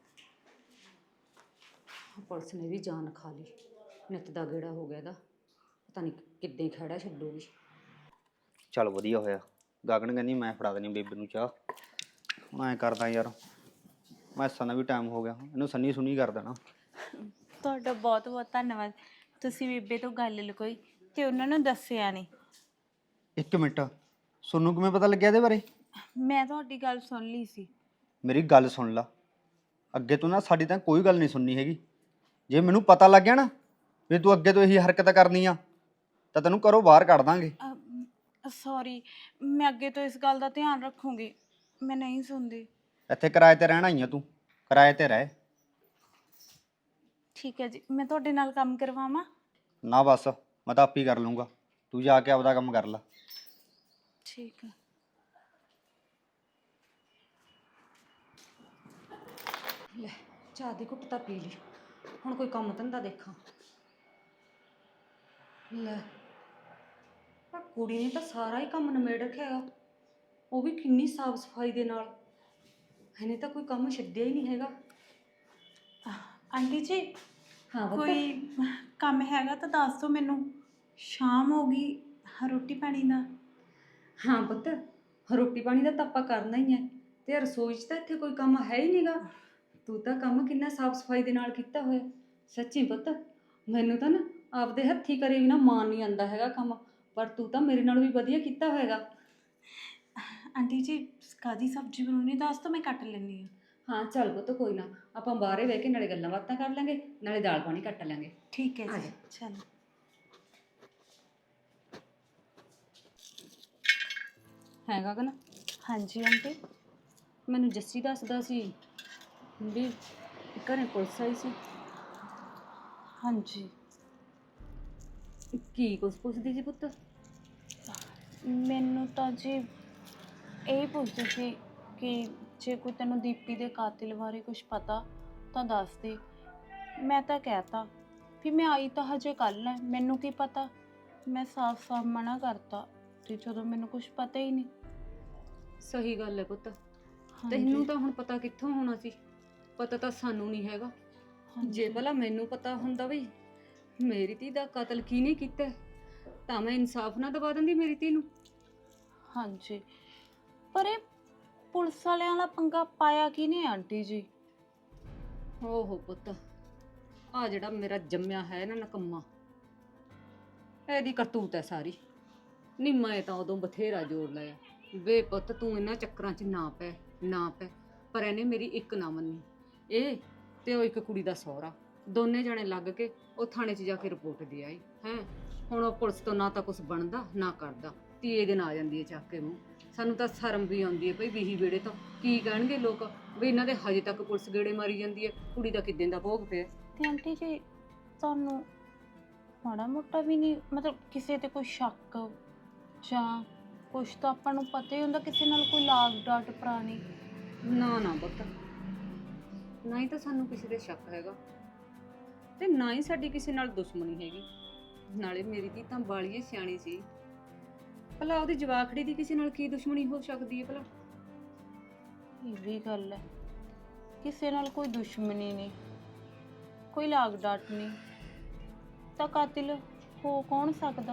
G: ਪੁਲਿਸ ਨੇ ਵੀ ਜਾਨ ਖਾ ਲਈ, ਨਿੱਤ ਦਾ ਗੇੜਾ ਹੋ ਗਿਆ ਇਹਦਾ, ਪਤਾ ਨਹੀਂ ਕਿੱਦਾਂ ਖੜਾ ਛੱਡੂਗੀ।
H: ਚੱਲ ਵਧੀਆ ਹੋਇਆ, ਗਗਨ ਕਹਿੰਦੀ ਮੈਂ ਫੜਾ ਦੇਣੀ ਬੇਬੇ ਨੂੰ ਚਾਹ। ਮੈਂ ਕਰਦਾ ਯਾਰ, ਮੈਂ ਸੰਨਾ ਵੀ ਟਾਈਮ ਹੋ ਗਿਆ, ਇਹਨੂੰ ਸੰਨੀ ਸੁਣੀ ਕਰ ਦੇਣਾ।
F: ਤੁਹਾਡਾ ਬਹੁਤ ਬਹੁਤ ਧੰਨਵਾਦ। ਤੁਸੀਂ ਬੇਬੇ ਤੋਂ ਗੱਲ ਲੁਕੋਈ ਤੇ ਉਹਨਾਂ ਨੂੰ ਦੱਸਿਆ ਨਹੀਂ।
H: ਇੱਕ ਮਿੰਟ, ਸੋਨੂੰ ਕਿਵੇਂ ਪਤਾ ਲੱਗਿਆ ਇਹਦੇ ਬਾਰੇ?
F: ਮੈਂ ਤੁਹਾਡੀ ਗੱਲ ਸੁਣ ਲਈ ਸੀ।
H: ਮੇਰੀ ਗੱਲ ਸੁਣ ਲਾ, ਅੱਗੇ ਤੋਂ ਨਾ ਸਾਡੀ ਤਾਂ ਕੋਈ ਗੱਲ ਨਹੀਂ ਸੁਣਨੀ ਹੈਗੀ। ਜੇ ਮੈਨੂੰ ਪਤਾ ਲੱਗ ਗਿਆ ਨਾ ਵੀ ਤੂੰ ਅੱਗੇ ਤੋਂ ਇਹੀ ਹਰਕਤ ਕਰਨੀ ਆ ਤਾਂ ਤੈਨੂੰ ਘਰੋਂ ਬਾਹਰ ਕੱਢ ਦਾਂਗੇ।
F: ਸੌਰੀ, ਮੈਂ ਅੱਗੇ ਤੋਂ ਇਸ ਗੱਲ ਦਾ ਧਿਆਨ ਰੱਖੂੰਗੀ। ਮੈਂ ਨਹੀਂ ਸੁਣਦੀ।
H: ਇੱਥੇ ਕਿਰਾਏ ਤੇ ਰਹਿਣਾ ਹੀ ਆ ਤੂੰ, ਕਿਰਾਏ ਤੇ ਰਹਿ।
F: ਠੀਕ ਹੈ ਜੀ, ਮੈਂ ਤੁਹਾਡੇ ਨਾਲ ਕੰਮ ਕਰਵਾਵਾਂ?
H: ਨਾ ਬਸ ਮੈਂ ਤਾਂ ਆਪੇ ਹੀ ਕਰ ਲੂੰਗਾ, ਤੂੰ ਜਾ ਕੇ ਆਪਦਾ ਕੰਮ ਕਰ ਲੈ।
F: ਠੀਕ ਹੈ।
G: ਲੈ ਚਾਹ ਦੀ ਘੁੱਟ ਤਾਂ ਪੀ ਲਈ, ਹੁਣ ਕੋਈ ਕੰਮ ਧੰਦਾ ਦੇਖਾਂ। ਲੈ ਪਰ ਕੁੜੀ ਨੇ ਤਾਂ ਸਾਰਾ ਹੀ ਕੰਮ ਨਿਬੇੜ ਰੱਖਿਆ ਹੈਗਾ, ਉਹ ਵੀ ਕਿੰਨੀ ਸਾਫ ਸਫਾਈ ਦੇ ਨਾਲ। ਇਹਨੇ ਤਾਂ ਕੋਈ ਕੰਮ ਛੱਡਿਆ ਹੀ ਨਹੀਂ ਹੈਗਾ।
F: ਆਂਟੀ ਜੀ
G: ਹਾਂ ਪੁੱਤ।
F: ਕੋਈ ਕੰਮ ਹੈਗਾ ਤਾਂ ਦੱਸ ਦਿਓ ਮੈਨੂੰ। ਸ਼ਾਮ ਹੋ ਗਈ, ਰੋਟੀ ਪਾਣੀ ਦਾ।
G: ਹਾਂ ਪੁੱਤ, ਰੋਟੀ ਪਾਣੀ ਦਾ ਤਾਂ ਆਪਾਂ ਕਰਨਾ ਹੀ ਹੈ, ਤੇ ਰਸੋਈ 'ਚ ਤਾਂ ਇੱਥੇ ਕੋਈ ਕੰਮ ਹੈ ਹੀ ਨਹੀਂਗਾ। ਤੂੰ ਤਾਂ ਕੰਮ ਕਿੰਨਾ ਸਾਫ ਸਫਾਈ ਦੇ ਨਾਲ ਕੀਤਾ ਹੋਇਆ। ਸੱਚੀ ਪੁੱਤ, ਮੈਨੂੰ ਤਾਂ ਨਾ ਆਪਦੇ ਹੱਥੀਂ ਕਰੇ ਵੀ ਨਾ ਮਾਨ ਨਹੀਂ ਆਉਂਦਾ ਹੈਗਾ ਕੰਮ, ਪਰ ਤੂੰ ਤਾਂ ਮੇਰੇ ਨਾਲ ਵੀ ਵਧੀਆ ਕੀਤਾ ਹੋਏਗਾ।
F: ਆਂਟੀ ਜੀ ਕਾਹਦੀ ਸਬਜ਼ੀ ਬਣਾਉਣੀ ਦੱਸ ਦਿਓ, ਮੈਂ ਕੱਟ ਲੈਂਦੀ ਹਾਂ।
G: ਹਾਂ ਚੱਲ ਪੁੱਤ ਕੋਈ ਨਾ, ਆਪਾਂ ਬਾਹਰੇ ਬਹਿ ਕੇ ਨਾਲੇ ਗੱਲਾਂ ਬਾਤਾਂ ਕਰ ਲਾਂਗੇ, ਨਾਲੇ ਦਾਲ ਪਾਣੀ ਕੱਟ ਲਾਂਗੇ।
F: ਠੀਕ ਹੈ
G: ਆ
F: ਜੀ,
G: ਜਾ।
F: ਚਲੋ।
G: ਹੈ ਗਗਨ?
F: ਹਾਂਜੀ ਆਂਟੀ।
G: ਮੈਨੂੰ ਜੱਸੀ ਦੱਸਦਾ ਸੀ ਵੀ ਘਰੇ ਪੁਲਿਸ ਆਈ ਸੀ।
F: ਹਾਂਜੀ।
G: ਕੀ ਕੁਛ ਪੁੱਛਦੀ ਸੀ ਪੁੱਤ?
F: ਮੈਨੂੰ ਤਾਂ ਜੀ ਇਹ ਪੁੱਛਦੀ ਸੀ ਕਿ ਜੇ ਕੋਈ ਤੈਨੂੰ ਦੀਪੀ ਦੇ ਕਾਤਿਲ ਬਾਰੇ ਕੁਝ ਪਤਾ ਤਾਂ ਦੱਸ ਦੇ। ਮੈਂ ਤਾਂ ਕਹਿਤਾ ਵੀ ਮੈਂ ਆਈ ਤਾਂ ਹਜੇ ਕੱਲ੍ਹ ਹੈ, ਮੈਨੂੰ ਕੀ ਪਤਾ। ਮੈਂ ਸਾਫ਼-ਸਾਫ਼ ਮਨਾ ਕਰਤਾ ਤੇ ਜਦੋਂ ਮੈਨੂੰ ਕੁਝ ਪਤਾ ਹੀ ਨਹੀਂ।
G: ਸਹੀ ਗੱਲ ਹੈ ਪੁੱਤ,
F: ਹਾਂਜੀ।
G: ਤੈਨੂੰ ਤਾਂ ਹੁਣ ਪਤਾ ਕਿੱਥੋਂ ਹੋਣਾ ਸੀ, ਪਤਾ ਤਾਂ ਸਾਨੂੰ ਨਹੀਂ ਹੈਗਾ। ਜੇ ਭਲਾ ਮੈਨੂੰ ਪਤਾ ਹੁੰਦਾ ਵੀ ਮੇਰੀ ਧੀ ਦਾ ਕਤਲ ਕਿਹਨੇ ਕੀਤਾ ਤਾਂ ਮੈਂ ਇਨਸਾਫ ਨਾ ਦਵਾ ਦਿੰਦੀ ਮੇਰੀ ਧੀ ਨੂੰ।
F: ਹਾਂਜੀ, ਪਰ ਇਹ ਪੁਲਿਸ ਵਾਲਿਆਂ ਦਾ ਪੰਗਾ ਪਾਇਆ ਕਿਹਨੇ ਆਂਟੀ ਜੀ?
G: ਓਹੋ ਪੁੱਤ, ਆ ਜਿਹੜਾ ਮੇਰਾ ਜੰਮਿਆ ਹੈ ਨਾ ਨਕੰਮਾ, ਇਹਦੀ ਕਰਤੂਤ ਹੈ ਸਾਰੀ। ਨਹੀਂ ਮੈਂ ਤਾਂ ਉਦੋਂ ਬਥੇਰਾ ਜ਼ੋਰ ਲਾਇਆ ਵੇ ਪੁੱਤ ਤੂੰ ਇਹਨਾਂ ਚੱਕਰਾਂ 'ਚ ਨਾ ਪੈ ਨਾ ਪੈ। ਪਰ ਇਹਨੇ ਮੇਰੀ ਇੱਕ ਨਾ ਮੰਨੀ। ਇਹ ਤੇ ਉਹ ਇੱਕ ਕੁੜੀ ਦਾ ਸਹੁਰਾ ਦੋਨੇ ਜਣੇ ਲੱਗ ਕੇ ਉਹ ਥਾਣੇ 'ਚ ਜਾ ਕੇ ਰਿਪੋਰਟ ਦੇ ਆਈ ਹੈ। ਹੁਣ ਉਹ ਪੁਲਿਸ ਤੋਂ ਨਾ ਤਾਂ ਕੁਝ ਬਣਦਾ ਨਾ ਕਰਦਾ, ਧੀਏ ਦਿਨ ਆ ਜਾਂਦੀ ਹੈ ਚੱਕ ਕੇ ਮੂੰਹ। ਸਾਨੂੰ ਤਾਂ ਸ਼ਰਮ ਵੀ ਆਉਂਦੀ ਹੈ ਭਈ ਵੀਹੀ ਵੇੜੇ ਤੋਂ ਕੀ ਕਹਿਣਗੇ ਲੋਕ ਵੀ ਇਹਨਾਂ ਦੇ ਹਜੇ ਤੱਕ ਪੁਲਿਸ ਗੇੜੇ ਮਾਰੀ ਜਾਂਦੀ ਹੈ, ਕੁੜੀ ਦਾ ਕਿੱਦਾਂ ਦਾ ਭੋਗ ਪਿਆ।
F: ਤੇ ਆਂਟੀ ਜੀ ਤੁਹਾਨੂੰ ਮਾੜਾ ਮੋਟਾ ਵੀ ਨਹੀਂ ਮਤਲਬ ਕਿਸੇ ਤੇ ਕੋਈ ਸ਼ੱਕ ਜਾਂ ਕੁਛ ਤਾਂ ਆਪਾਂ ਨੂੰ ਪਤਾ ਹੀ ਹੁੰਦਾ ਕਿਸੇ ਨਾਲ ਕੋਈ ਲਾਗ ਡਾਟ ਪੁਰਾਣੀ?
G: ਨਾ ਨਾ ਪੁੱਤ, ਨਾ ਹੀ ਤਾਂ ਸਾਨੂੰ ਕਿਸੇ ਦੇ ਸ਼ੱਕ ਹੈਗਾ ਤੇ ਨਾ ਹੀ ਸਾਡੀ ਕਿਸੇ ਨਾਲ ਦੁਸ਼ਮਣੀ ਹੈਗੀ। ਨਾਲੇ ਮੇਰੀ ਧੀ ਤਾਂ ਬਾਲੀਏ ਸਿਆਣੀ ਸੀ, ਭਲਾ ਉਹਦੀ ਜਵਾਖੜੀ ਦੀ ਕਿਸੇ ਨਾਲ ਕੀ ਦੁਸ਼ਮਣੀ ਹੋ ਸਕਦੀ ਹੈ ਭਲਾ?
F: ਇਹ ਵੀ ਗੱਲ ਹੈ, ਕਿਸੇ ਨਾਲ ਕੋਈ ਦੁਸ਼ਮਣੀ ਨਹੀਂ, ਕੋਈ ਲਾਗ ਡਾਟ ਨਹੀਂ, ਤਾਂ ਕਾਤਿਲ ਹੋ ਕੌਣ ਸਕਦਾ?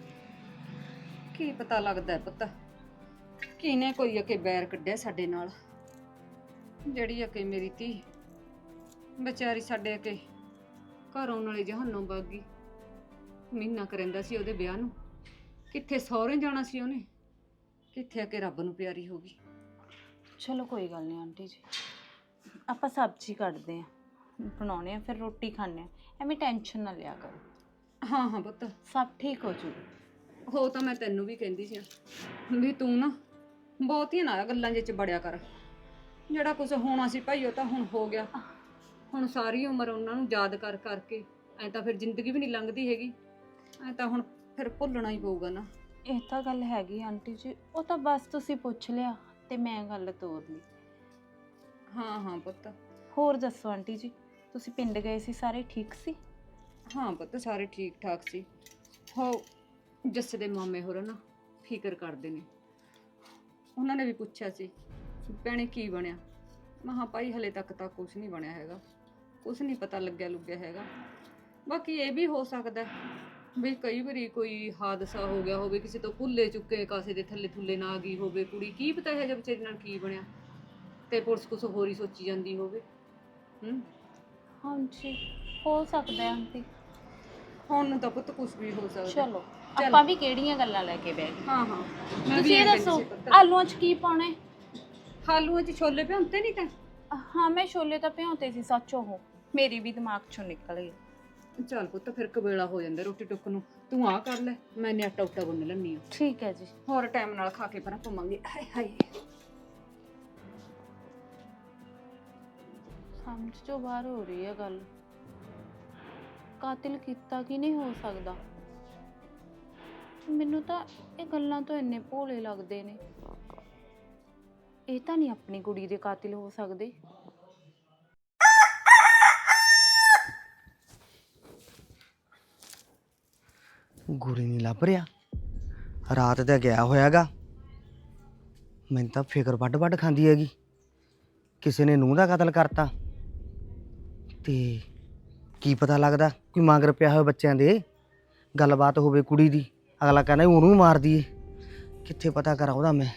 G: ਕੀ ਪਤਾ ਲੱਗਦਾ ਹੈ ਪੁੱਤ ਕਿਹਨੇ ਕੋਈ ਅਕੇ ਬੈਰ ਕੱਢਿਆ ਸਾਡੇ ਨਾਲ। ਜਿਹੜੀ ਅਕੇ ਮੇਰੀ ਧੀ ਵਿਚਾਰੀ ਸਾਡੇ ਅਕੇ ਘਰ ਆਉਣ ਵਾਲੀ ਜਹਾਨੋਂ ਵਗ ਗਈ। ਮਹੀਨਾ ਕਰੰਦਾ ਸੀ ਉਹਦੇ ਵਿਆਹ ਨੂੰ, ਕਿੱਥੇ ਸਹੁਰੇ ਜਾਣਾ ਸੀ ਉਹਨੇ, ਕਿੱਥੇ ਅਕੇ ਰੱਬ ਨੂੰ ਪਿਆਰੀ ਹੋ ਗਈ।
F: ਚਲੋ ਕੋਈ ਗੱਲ ਨਹੀਂ ਆਂਟੀ ਜੀ, ਆਪਾਂ ਸਬਜ਼ੀ ਕੱਟਦੇ ਆਂ ਬਣਾਉਣੇ ਆ ਫਿਰ ਰੋਟੀ ਖਾਣੇ ਆ, ਐਵੇਂ ਟੈਨਸ਼ਨ ਨਾ ਲਿਆ ਕਰੋ।
G: ਹਾਂ ਹਾਂ ਪੁੱਤ
F: ਸਭ ਠੀਕ ਹੋ ਜੂ।
G: ਹੋ ਤਾਂ ਮੈਂ ਤੈਨੂੰ ਵੀ ਕਹਿੰਦੀ ਸੀ ਵੀ ਤੂੰ ਨਾ ਬਹੁਤੀਆਂ ਨਾ ਗੱਲਾਂ ਜਿਹੇ ਚ ਬੜਿਆ ਕਰ। ਜਿਹੜਾ ਕੁਝ ਹੋਣਾ ਸੀ ਭਾਈ ਉਹ ਤਾਂ ਹੁਣ ਹੋ ਗਿਆ। ਹੁਣ ਸਾਰੀ ਉਮਰ ਉਹਨਾਂ ਨੂੰ ਯਾਦ ਕਰ ਕਰਕੇ ਐ ਤਾਂ ਫਿਰ ਜ਼ਿੰਦਗੀ ਵੀ ਨਹੀਂ ਲੰਘਦੀ ਹੈਗੀ। ਐ ਤਾਂ ਹੁਣ ਫਿਰ ਭੁੱਲਣਾ ਹੀ ਪਊਗਾ ਨਾ।
F: ਇਹ ਤਾਂ ਗੱਲ ਹੈਗੀ ਆਂਟੀ ਜੀ, ਉਹ ਤਾਂ ਬਸ ਤੁਸੀਂ ਪੁੱਛ ਲਿਆ ਤੇ ਮੈਂ ਗੱਲ ਤੋਰ ਲਈ।
G: ਹਾਂ ਹਾਂ ਪੁੱਤ।
F: ਹੋਰ ਦੱਸੋ ਆਂਟੀ ਜੀ, ਤੁਸੀਂ ਪਿੰਡ ਗਏ ਸੀ, ਸਾਰੇ ਠੀਕ ਸੀ?
G: ਹਾਂ ਪੁੱਤ ਸਾਰੇ ਠੀਕ ਠਾਕ ਸੀ। ਹੋ ਜੱਸੇ ਦੇ ਮਾਮੇ ਹੋਰ ਨਾ ਫਿਕਰ ਕਰਦੇ ਨੇ, ਉਹਨਾਂ ਨੇ ਵੀ ਪੁੱਛਿਆ ਸੀ ਭੈਣੇ ਕੀ ਬਣਿਆ। ਮੈਂ ਕਿਹਾ ਭਾਈ ਹਲੇ ਤੱਕ ਤਾਂ ਕੁਝ ਨਹੀਂ ਬਣਿਆ ਹੈਗਾ, ਕੁਝ ਨਹੀਂ ਪਤਾ ਲੱਗਿਆ ਲੁੱਗਿਆ ਹੈਗਾ। ਬਾਕੀ ਇਹ ਵੀ ਹੋ ਸਕਦਾ ਵੀ ਕਈ ਵਾਰੀ ਕੋਈ ਹਾਦਸਾ ਹੋ ਗਿਆ ਹੋਵੇ, ਕਿਸੇ ਤੋਂ ਭੁੱਲੇ ਚੁੱਕੇ ਕਾਸੇ ਦੇ ਥੱਲੇ ਥੁੱਲੇ ਨਾ ਆ ਗਈ ਹੋਵੇ ਕੁੜੀ, ਕੀ ਪਤਾ ਹੈ ਜਦ ਵਿਚਾਰੀ ਨਾਲ ਕੀ ਬਣਿਆ ਤੇ ਪੁਲਿਸ ਕੁਛ ਹੋਰ ਹੀ ਸੋਚੀ ਜਾਂਦੀ ਹੋਵੇ। ਹੂੰ
F: ਹਾਂਜੀ ਹੋ ਸਕਦਾ ਹੈ ਆਂਟੀ।
G: ਹੁਣ ਨੂੰ ਤਾਂ ਪੁੱਤ ਕੁਝ ਵੀ ਹੋ ਸਕਦਾ।
F: ਚਲੋ ਆਪਾਂ ਵੀ ਕਿਹੜੀਆਂ ਗੱਲਾਂ ਲੈ ਕੇ ਬਹਿ ਗਏ।
G: ਹਾਂ ਹਾਂ ਮੈਂ ਵੀ
F: ਤੁਸੀਂ ਇਹ
G: ਕਹਿੰਦੀ
F: ਦੱਸੋ
G: ਸੀ ਪੁੱਤ।
F: ਆਲੂਆਂ 'ਚ ਕੀ ਪਾਉਣਾ ਹੈ?
G: ਆਲੂਆਂ 'ਚ ਛੋਲੇ ਭਿਉਂਤੇ ਨਹੀਂ ਤਾਂ?
F: ਹਾਂ ਮੈਂ ਛੋਲੇ ਤਾਂ ਭਿਉਂਤੇ ਸੀ ਸੱਚ, ਉਹ ਮੇਰੀ ਵੀ ਦਿਮਾਗ 'ਚੋਂ ਨਿਕਲ ਗਈ।
G: ਚੱਲ ਪੁੱਤ ਫਿਰ ਕਵੇਲਾ ਹੋ ਜਾਂਦਾ ਰੋਟੀ ਟੁੱਕ ਨੂੰ, ਤੂੰ ਆ ਕਰ ਲੈ ਮੈਂ ਨੇ ਆਟਾ ਉਟਾ ਗੁੰਨ ਲੈਣੀ ਆ।
F: ਠੀਕ ਹੈ ਜੀ।
G: ਹੋਰ ਟਾਈਮ ਨਾਲ ਖਾ ਕੇ ਪਰਾਂ ਪਵਾਂਗੇ। ਹਾਏ ਹਾਏ
F: ਸਮਝ ਤੋਂ ਬਾਹਰ ਹੋ ਰਹੀ ਹੈ ਗੱਲ। ਕਾਤਿਲ ਕੀਤਾ ਕੀ ਨਹੀਂ ਹੋ ਸਕਦਾ? ਮੈਨੂੰ ਤਾਂ ਇਹ ਗੱਲਾਂ ਤੋਂ ਇੰਨੇ ਭੋਲੇ ਲੱਗਦੇ ਨੇ। ਇਹ ਤਾਂ ਨਹੀਂ ਆਪਣੀ ਕੁੜੀ ਦੇ ਕਾਤਿਲ ਹੋ ਸਕਦੇ।
I: ਗੁਰੀ ਨਹੀਂ ਲੱਭ ਰਿਹਾ, ਰਾਤ ਦਾ ਗਿਆ ਹੋਇਆਗਾ। ਮੈਨੂੰ ਤਾਂ ਫਿਕਰ ਵੱਡ ਵੱਡ ਖਾਂਦੀ ਹੈਗੀ, ਕਿਸੇ ਨੇ ਨੂੰਹ ਦਾ ਕਤਲ ਕਰਤਾ। ਤੇ ਕੀ ਪਤਾ ਲੱਗਦਾ ਕੋਈ ਮਗਰ ਪਿਆ ਹੋਵੇ ਬੱਚਿਆਂ ਦੇ, ਗੱਲਬਾਤ ਹੋਵੇ ਕੁੜੀ ਦੀ, ਅਗਲਾ ਕਹਿੰਦਾ ਉਹਨੂੰ ਮਾਰ ਦਈਏ। ਕਿੱਥੇ ਪਤਾ ਕਰਾਂ ਉਹਦਾ ਮੈਂ।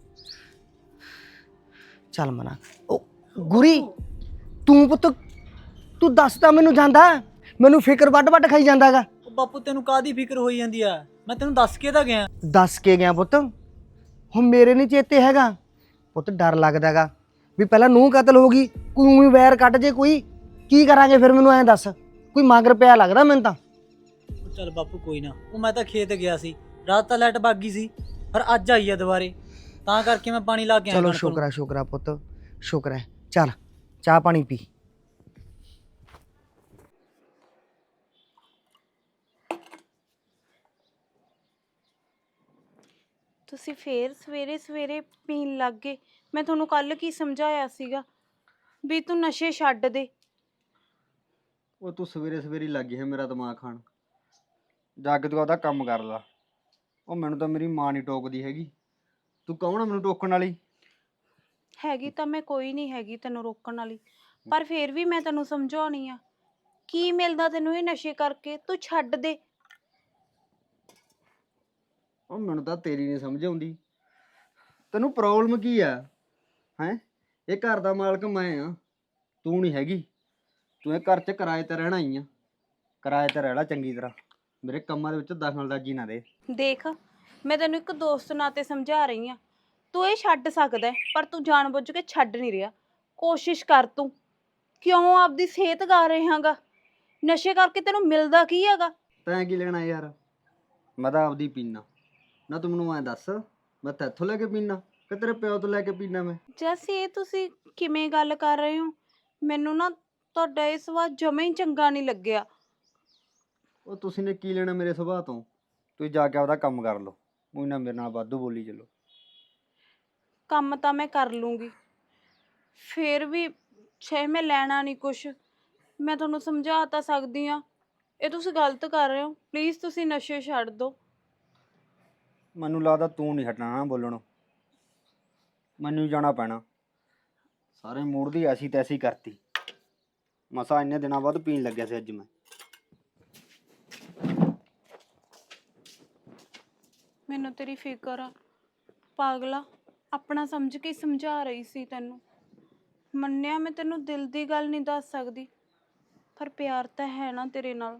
I: ਚੱਲ ਮਨਾ। ਉਹ ਗੁਰੀ ਤੂੰ ਪੁੱਤ ਤੂੰ ਦੱਸ ਤਾਂ ਮੈਨੂੰ ਜਾਂਦਾ, ਮੈਨੂੰ ਫਿਕਰ ਵੱਡ ਵੱਡ ਖਾਈ ਜਾਂਦਾਗਾ।
J: ਬਾਪੂ ਤੈਨੂੰ ਕਾਹਦੀ ਫਿਕਰ ਹੋਈ ਜਾਂਦੀ ਆ? ਮੈਂ ਤੈਨੂੰ ਦੱਸ ਕੇ ਤਾਂ ਗਿਆ।
I: ਦੱਸ ਕੇ ਗਿਆ ਪੁੱਤ, ਹੁਣ ਮੇਰੇ ਨਹੀਂ ਚੇਤੇ ਹੈਗਾ ਪੁੱਤ। ਡਰ ਲੱਗਦਾਗਾ ਵੀ ਪਹਿਲਾਂ ਨੂੰਹ ਕਤਲ ਹੋ ਗਈ, ਕੋਈ ਉਵੇਂ ਵੈਰ ਕੱਢ ਜੇ ਕੋਈ, ਕੀ ਕਰਾਂਗੇ ਫਿਰ? ਮੈਨੂੰ ਐਂ ਦੱਸ, ਕੋਈ ਮਗਰ ਪਿਆ ਲੱਗਦਾ ਮੈਨੂੰ ਤਾਂ।
J: ਚੱਲ ਬਾਪੂ ਕੋਈ ਨਾ, ਉਹ ਮੈਂ ਤਾਂ ਖੇਤ ਗਿਆ ਸੀ, ਰਾਤ ਤਾਂ ਲਾਈਟ ਭੱਗ ਗਈ ਸੀ, ਪਰ ਅੱਜ ਆਈ ਆ ਦੁਬਾਰੇ, ਤਾਂ ਕਰਕੇ ਮੈਂ ਪਾਣੀ ਲਾ ਕੇ ਆਇਆ।
I: ਚਲੋ ਸ਼ੁਕਰ ਹੈ ਸ਼ੁਕਰ ਹੈ ਪੁੱਤ, ਸ਼ੁਕਰ ਹੈ। ਚੱਲ ਚਾਹ ਪਾਣੀ ਪੀ।
F: ਤੁਸੀਂ ਫੇਰ ਸਵੇਰੇ ਸਵੇਰੇ ਪੀਣ ਲੱਗ ਗਏ। ਮੈਂ ਤੁਹਾਨੂੰ ਕੱਲ ਕੀ ਸਮਝਾਇਆ ਸੀਗਾ ਵੀ ਤੂੰ ਨਸ਼ੇ ਛੱਡ ਦੇ।
H: ਉਹ ਤੂੰ ਸਵੇਰੇ ਸਵੇਰੇ ਲੱਗ ਗਈ ਹੈ ਮੇਰਾ ਦਿਮਾਗ ਖਾਣ। ਜਾ ਕੇ ਤੂੰ ਆਪਦਾ ਕੰਮ ਕਰ ਲਾ। ਉਹ ਮੈਨੂੰ ਤਾਂ ਮੇਰੀ ਮਾਂ ਨਹੀਂ ਟੋਕਦੀ ਹੈਗੀ, ਤੂੰ ਕੌਣ ਆ ਮੈਨੂੰ ਟੋਕਣ ਵਾਲੀ?
F: ਹੈਗੀ ਤਾਂ ਮੈਂ ਕੋਈ ਨਹੀਂ ਹੈਗੀ ਤੈਨੂੰ ਰੋਕਣ ਵਾਲੀ, ਪਰ ਫੇਰ ਵੀ ਮੈਂ ਤੈਨੂੰ ਸਮਝਾਉਣੀ ਆ। ਕੀ ਮਿਲਦਾ ਤੈਨੂੰ ਇਹ ਨਸ਼ੇ ਕਰਕੇ? ਤੂੰ ਛੱਡ ਦੇ।
H: ਉਹ ਮੈਨੂੰ ਤਾਂ ਤੇਰੀ ਨਹੀਂ ਸਮਝ ਆਉਂਦੀ, ਤੈਨੂੰ ਪ੍ਰੋਬਲਮ ਕੀ ਆ? ਹੈਂ ਇਹ ਘਰ ਦਾ ਮਾਲਕ ਮੈਂ ਆ, ਤੂੰ ਨਹੀਂ ਹੈਗੀ। ਤੂੰ ਇਹ ਘਰ 'ਚ ਕਿਰਾਏ ਤੇ ਰਹਿਣਾ ਹੀ ਆ, ਕਿਰਾਏ ਤੇ ਰਹਿ ਲੈ ਚੰਗੀ ਤਰ੍ਹਾਂ, ਮੇਰੇ ਕੰਮਾਂ ਦੇ ਵਿੱਚ ਦਖਲਅੰਦਾਜ਼ੀ ਨਾ ਦੇ।
F: ਦੇਖ ਮੈਂ ਤੈਨੂੰ ਇੱਕ ਦੋਸਤ ਨਾਤੇ ਸਮਝਾ ਰਹੀ ਆ, ਤੂੰ ਇਹ ਛੱਡ ਸਕਦਾ ਹੈ, ਪਰ ਤੂੰ ਜਾਣਬੁੱਝ ਕੇ ਛੱਡ ਨਹੀਂ ਰਿਹਾ। ਕੋਸ਼ਿਸ਼ ਕਰ ਤੂੰ। ਕਿਉਂ ਆਪਦੀ ਸਿਹਤ ਗਾ ਰਿਹਾਗਾ? ਨਸ਼ੇ ਕਰਕੇ ਤੈਨੂੰ ਮਿਲਦਾ ਕੀ ਹੈਗਾ?
H: ਤੈਂ ਕੀ ਲੈਣਾ ਯਾਰ, ਮੈਂ ਤਾਂ ਆਪਦੀ ਪੀਣਾ ਨਾ। ਤੂੰ ਮੈਨੂੰ ਐਂ ਦੱਸ, ਮੈਂ ਤੈਥੋਂ ਲੈ ਕੇ ਪੀਣਾ ਕਿ ਤੇਰੇ ਪਿਓ ਤੋਂ ਲੈ ਕੇ ਪੀਣਾ ਮੈਂ?
F: ਜੈਸੇ ਇਹ ਤੁਸੀਂ ਕਿਵੇਂ ਗੱਲ ਕਰ ਰਹੇ ਹੋ? ਮੈਨੂੰ ਨਾ ਤੁਹਾਡਾ ਇਹ ਸੁਭਾਅ ਜਮਾ ਹੀ ਚੰਗਾ ਨਹੀਂ ਲੱਗਿਆ।
H: ਉਹ ਤੁਸੀਂ ਨੇ ਕੀ ਲੈਣਾ ਮੇਰੇ ਸੁਭਾਅ ਤੋਂ? ਤੁਸੀਂ ਜਾ ਕੇ ਆਪਦਾ ਕੰਮ ਕਰ ਲਓ, ਉਹ ਨਾ ਮੇਰੇ ਨਾਲ ਵਾਧੂ ਬੋਲੀ ਚੱਲੋ।
F: ਕੰਮ ਤਾਂ ਮੈਂ ਕਰ ਲੂੰਗੀ, ਫਿਰ ਵੀ ਛੇ ਮੈਂ ਲੈਣਾ ਨਹੀਂ ਕੁਛ। ਮੈਂ ਤੁਹਾਨੂੰ ਸਮਝਾ ਤਾਂ ਸਕਦੀ ਹਾਂ, ਇਹ ਤੁਸੀਂ ਗਲਤ ਕਰ ਰਹੇ ਹੋ। ਪਲੀਜ਼ ਤੁਸੀਂ ਨਸ਼ੇ ਛੱਡ ਦਿਓ।
H: ਮੈਨੂੰ ਲੱਗਦਾ ਤੂੰ ਨਹੀਂ ਹਟਣਾ ਨਾ ਬੋਲਣੋਂ, ਮੈਨੂੰ ਹੀ ਜਾਣਾ ਪੈਣਾ। ਸਾਰੇ ਮੂਡ ਦੀ ਐਸੀ ਤੈਸੀ ਕਰਤੀ। ਮਸਾ ਇੰਨੇ ਦਿਨਾਂ ਬਾਅਦ ਪੀਣ ਲੱਗਿਆ ਸੀ ਅੱਜ ਮੈਂ।
F: ਮੈਨੂੰ ਤੇਰੀ ਫਿਕਰ ਆ ਪਾਗਲਾ, ਆਪਣਾ ਸਮਝ ਕੇ ਸਮਝਾ ਰਹੀ ਸੀ ਤੈਨੂੰ। ਮੰਨਿਆ ਮੈਂ ਤੈਨੂੰ ਦਿਲ ਦੀ ਗੱਲ ਨਹੀਂ ਦੱਸ ਸਕਦੀ, ਪਰ ਪਿਆਰ ਤਾਂ ਹੈ ਨਾ ਤੇਰੇ ਨਾਲ।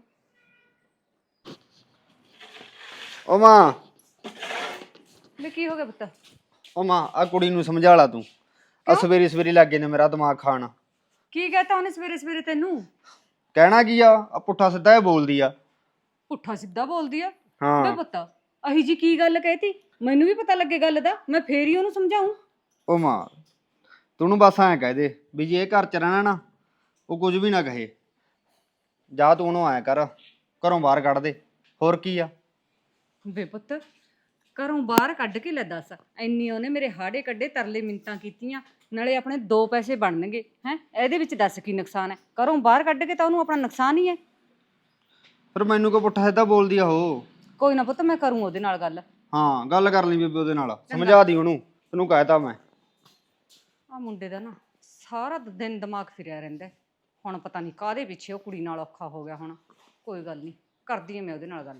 H: ਓ ਮਾਂ,
G: ਵੀ ਕੀ ਹੋ ਗਿਆ ਪੁੱਤ?
H: ਓ ਮਾਂ, ਆ ਕੁੜੀ ਨੂੰ ਸਮਝਾ ਲਾ ਤੂੰ। ਆ ਸਵੇਰੀ ਸਵੇਰੀ ਲੱਗੇ ਨੇ ਮੇਰਾ ਦਿਮਾਗ ਖਾਣ।
G: ਕੀ ਕਹਤਾ ਉਹਨੇ ਸਵੇਰੇ ਸਵੇਰੇ ਤੈਨੂੰ?
H: ਕਹਿਣਾ ਕੀ ਆ, ਆ ਪੁੱਠਾ ਸਿੱਧਾ ਇਹ ਬੋਲਦੀ ਆ।
G: ਪੁੱਠਾ ਸਿੱਧਾ ਬੋਲਦੀ ਆ? ਬੇ
H: ਹਾਂ
G: ਪੁੱਤ, ਅਹੀ ਜੀ ਕੀ ਗੱਲ ਕਹਿਤੀ? ਮੈਨੂੰ ਵੀ ਪਤਾ ਲੱਗੇ ਗੱਲ ਦਾ, ਮੈਂ ਫੇਰ ਹੀ ਉਹਨੂੰ ਸਮਝਾਉਂ।
H: ਓ ਮਾਂ, ਤੂੰ ਉਹਨੂੰ ਬਸ ਐਂ ਕਹਿ ਦੇ ਵੀ ਜੇ ਇਹ ਘਰ ਚ ਰਹਿਣਾ ਨਾ, ਉਹ ਕੁਝ ਵੀ ਨਾ ਕਹੇ। ਜਾ ਤੂੰ ਉਹਨੂੰ ਐਂ ਕਰ, ਘਰੋਂ ਬਾਹਰ ਕੱਢ ਦੇ। ਹੋਰ ਕੀ ਆ?
G: ਵੇ ਪੁੱਤ, ਘਰੋਂ ਬਾਹਰ ਕੱਢ ਕੇ ਲੈ ਦੱਸ। ਐਨੀ ਉਹਨੇ ਮੇਰੇ ਹਾੜੇ ਕੱਢੇ, ਤਰਲੇ ਮਿੰਤਾਂ ਕੀਤੀਆਂ, ਨਾਲੇ ਆਪਣੇ ਦੋ ਪੈਸੇ ਬਣਨਗੇ ਹੈ। ਇਹਦੇ ਵਿੱਚ ਦੱਸ ਕੀ ਨੁਕਸਾਨ ਹੈ? ਘਰੋਂ ਬਾਹਰ ਕੱਢ ਕੇ ਤਾਂ ਉਹਨੂੰ ਆਪਣਾ ਨੁਕਸਾਨ ਹੀ ਹੈ।
H: ਫਿਰ ਮੈਨੂੰ ਕੋ ਪੁੱਠਾ ਸਿੱਧਾ ਬੋਲਦੀ ਆ ਉਹ?
G: ਕੋਈ ਨਾ ਪੁੱਤ, ਮੈਂ ਕਰੂੰ ਉਹਦੇ ਨਾਲ ਗੱਲ।
H: ਹਾਂ, ਗੱਲ ਕਰ ਲਈ ਬੇਬੇ ਉਹਦੇ ਨਾਲ, ਸਮਝਾ ਦੀ ਉਹਨੂੰ। ਤੈਨੂੰ ਕਹਿਤਾ ਮੈਂ।
G: ਆ ਮੁੰਡੇ ਦਾ ਨਾ ਸਾਰਾ ਦਿਨ ਦਿਮਾਗ ਫਿਰਿਆ ਰਹਿੰਦਾ ਹੈ। ਹੁਣ ਪਤਾ ਨਹੀਂ ਕਾਹਦੇ ਪਿੱਛੇ ਉਹ ਕੁੜੀ ਨਾਲ ਔਖਾ ਹੋ ਗਿਆ ਹੁਣ। ਕੋਈ ਗੱਲ ਨਹੀਂ, ਕਰਦੀ ਹਾਂ ਮੈਂ ਉਹਦੇ ਨਾਲ ਗੱਲ।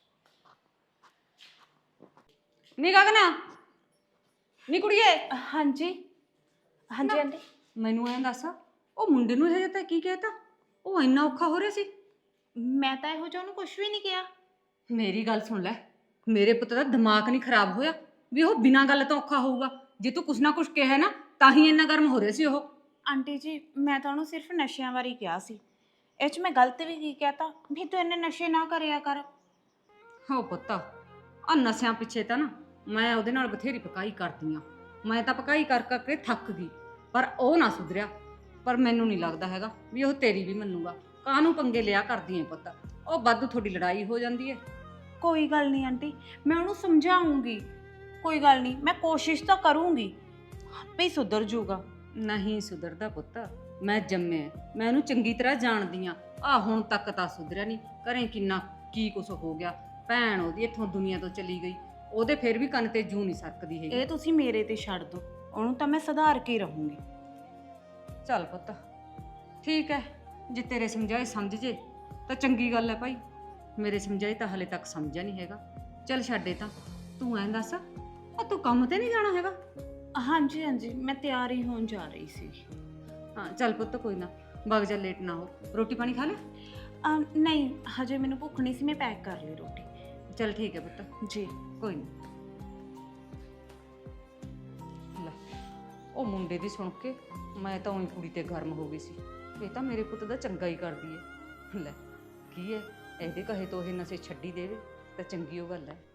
G: ਨੀ ਗਗਨਾ, ਨੀ ਕੁੜੀਏ।
F: ਹਾਂਜੀ ਹਾਂਜੀ ਆਂਟੀ।
G: ਮੈਨੂੰ ਐਂ ਦੱਸ, ਉਹ ਮੁੰਡੇ ਨੂੰ ਹਜੇ ਤੱਕ ਕੀ ਕਹਿਤਾ? ਉਹ ਇੰਨਾ ਔਖਾ ਹੋ ਰਿਹਾ ਸੀ।
F: ਮੈਂ ਤਾਂ ਇਹੋ ਜਿਹਾ ਉਹਨੂੰ ਕੁਝ ਵੀ ਨਹੀਂ ਕਿਹਾ।
G: ਮੇਰੀ ਗੱਲ ਸੁਣ ਲੈ, ਮੇਰੇ ਪੁੱਤ ਦਾ ਦਿਮਾਗ ਨਹੀਂ ਖਰਾਬ ਹੋਇਆ ਵੀ ਉਹ ਬਿਨਾਂ ਗੱਲ ਤੋਂ ਔਖਾ ਹੋਊਗਾ? ਜੇ ਤੂੰ ਕੁਛ ਨਾ ਕੁਛ ਕਿਹਾ ਨਾ ਤਾਂ ਹੀ ਇੰਨਾ ਗਰਮ ਹੋ ਰਿਹਾ ਸੀ ਉਹ।
F: ਆਂਟੀ ਜੀ, ਮੈਂ ਤਾਂ ਉਹਨੂੰ ਸਿਰਫ ਨਸ਼ਿਆਂ ਬਾਰੇ ਕਿਹਾ ਸੀ। ਇਹ 'ਚ ਮੈਂ ਗਲਤ ਵੀ ਕੀ ਕਹਿਤਾ ਵੀ ਤੂੰ ਇੰਨੇ ਨਸ਼ੇ ਨਾ ਕਰਿਆ ਕਰ।
G: ਹੋ ਪੁੱਤ, ਆ ਨਸ਼ਿਆਂ ਪਿੱਛੇ ਤਾਂ ਨਾ ਮੈਂ ਉਹਦੇ ਨਾਲ ਬਥੇਰੀ ਪਕਾਈ ਕਰਦੀ ਆ। ਮੈਂ ਤਾਂ ਪਕਾਈ ਕਰ ਕਰਕੇ ਥੱਕ ਗਈ, ਪਰ ਉਹ ਨਾ ਸੁਧਰਿਆ। ਪਰ ਮੈਨੂੰ ਨਹੀਂ ਲੱਗਦਾ ਹੈਗਾ ਵੀ ਉਹ ਤੇਰੀ ਵੀ ਮੰਨੂਗਾ। ਕਾਹਨੂੰ ਪੰਗੇ ਲਿਆ ਕਰਦੀ ਐ ਪੁੱਤ? ਉਹ ਵਾਧੂ ਤੁਹਾਡੀ ਲੜਾਈ ਹੋ ਜਾਂਦੀ ਹੈ।
F: ਕੋਈ ਗੱਲ ਨਹੀਂ ਆਂਟੀ, ਮੈਂ ਉਹਨੂੰ ਸਮਝਾਉਂਗੀ। ਕੋਈ ਗੱਲ ਨਹੀਂ, ਮੈਂ ਕੋਸ਼ਿਸ਼ ਤਾਂ ਕਰੂੰਗੀ, ਆਪੇ ਹੀ ਸੁਧਰ ਜੂਗਾ।
G: ਨਹੀਂ ਸੁਧਰਦਾ ਪੁੱਤ, ਮੈਂ ਜੰਮਿਆ, ਮੈਂ ਉਹਨੂੰ ਚੰਗੀ ਤਰ੍ਹਾਂ ਜਾਣਦੀ ਆ। ਆ ਹੁਣ ਤੱਕ ਤਾਂ ਸੁਧਰਿਆ ਨਹੀਂ। ਘਰੇ ਕਿੰਨਾ ਕੀ ਕੁਛ ਹੋ ਗਿਆ। ਭੈਣ ਉਹਦੀ ਇੱਥੋਂ ਦੁਨੀਆ ਤੋਂ ਚਲੀ ਗਈ, ਉਹਦੇ ਫਿਰ ਵੀ ਕੰਨ ਤੇ ਜੂੰ ਨਹੀਂ ਸਰਕਦੀ ਹੈਗੀ।
F: ਇਹ ਤੁਸੀਂ ਮੇਰੇ ਤੇ ਛੱਡ ਦਿਓ, ਉਹਨੂੰ ਤਾਂ ਮੈਂ ਸੁਧਾਰ ਕੇ ਰਹੂੰਗੀ।
G: ਚੱਲ ਪੁੱਤ ਠੀਕ ਹੈ, ਜੇ ਤੇਰੇ ਸਮਝਾਏ ਸਮਝ ਜੇ ਤਾਂ ਚੰਗੀ ਗੱਲ ਹੈ ਭਾਈ। ਮੇਰੇ ਸਮਝਾਏ ਤਾਂ ਹਲੇ ਤੱਕ ਸਮਝਿਆ ਨਹੀਂ ਹੈਗਾ। ਚੱਲ ਛੱਡੇ ਤਾਂ। ਤੂੰ ਐਂ ਦੱਸ, ਆ ਤੂੰ ਕੰਮ ਤੇ ਨਹੀਂ ਜਾਣਾ ਹੈਗਾ?
F: ਹਾਂਜੀ ਹਾਂਜੀ, ਮੈਂ ਤਿਆਰ ਹੀ ਹੋਣ ਜਾ ਰਹੀ ਸੀ।
G: ਹਾਂ ਚੱਲ ਪੁੱਤ, ਕੋਈ ਨਾ, ਵਗ ਜਾ, ਲੇਟ ਨਾ ਹੋ। ਰੋਟੀ ਪਾਣੀ ਖਾ ਲੈ?
F: ਅਮ, ਨਹੀਂ ਹਜੇ ਮੈਨੂੰ ਭੁੱਖ ਨਹੀਂ ਸੀ, ਮੈਂ ਪੈਕ ਕਰ ਲਈ ਰੋਟੀ।
G: ਚੱਲ ਠੀਕ ਹੈ ਪੁੱਤ,
F: ਜੀ
G: ਕੋਈ ਨਹੀਂ। ਲੈ, ਉਹ ਮੁੰਡੇ ਦੀ ਸੁਣ ਕੇ ਮੈਂ ਤਾਂ ਉਹੀ ਕੁੜੀ ਤੇ ਗਰਮ ਹੋ ਗਈ ਸੀ। ਇਹ ਤਾਂ ਮੇਰੇ ਪੁੱਤ ਦਾ ਚੰਗਾ ਹੀ ਕਰਦੀ ਹੈ। ਲੈ ਕੀ ਹੈ, ਇਹਦੇ ਕਹੇ ਤੋਂ ਇਹ ਨਸ਼ੇ ਛੱਡੀ ਦੇਵੇ ਤਾਂ ਚੰਗੀ ਉਹ ਗੱਲ ਹੈ।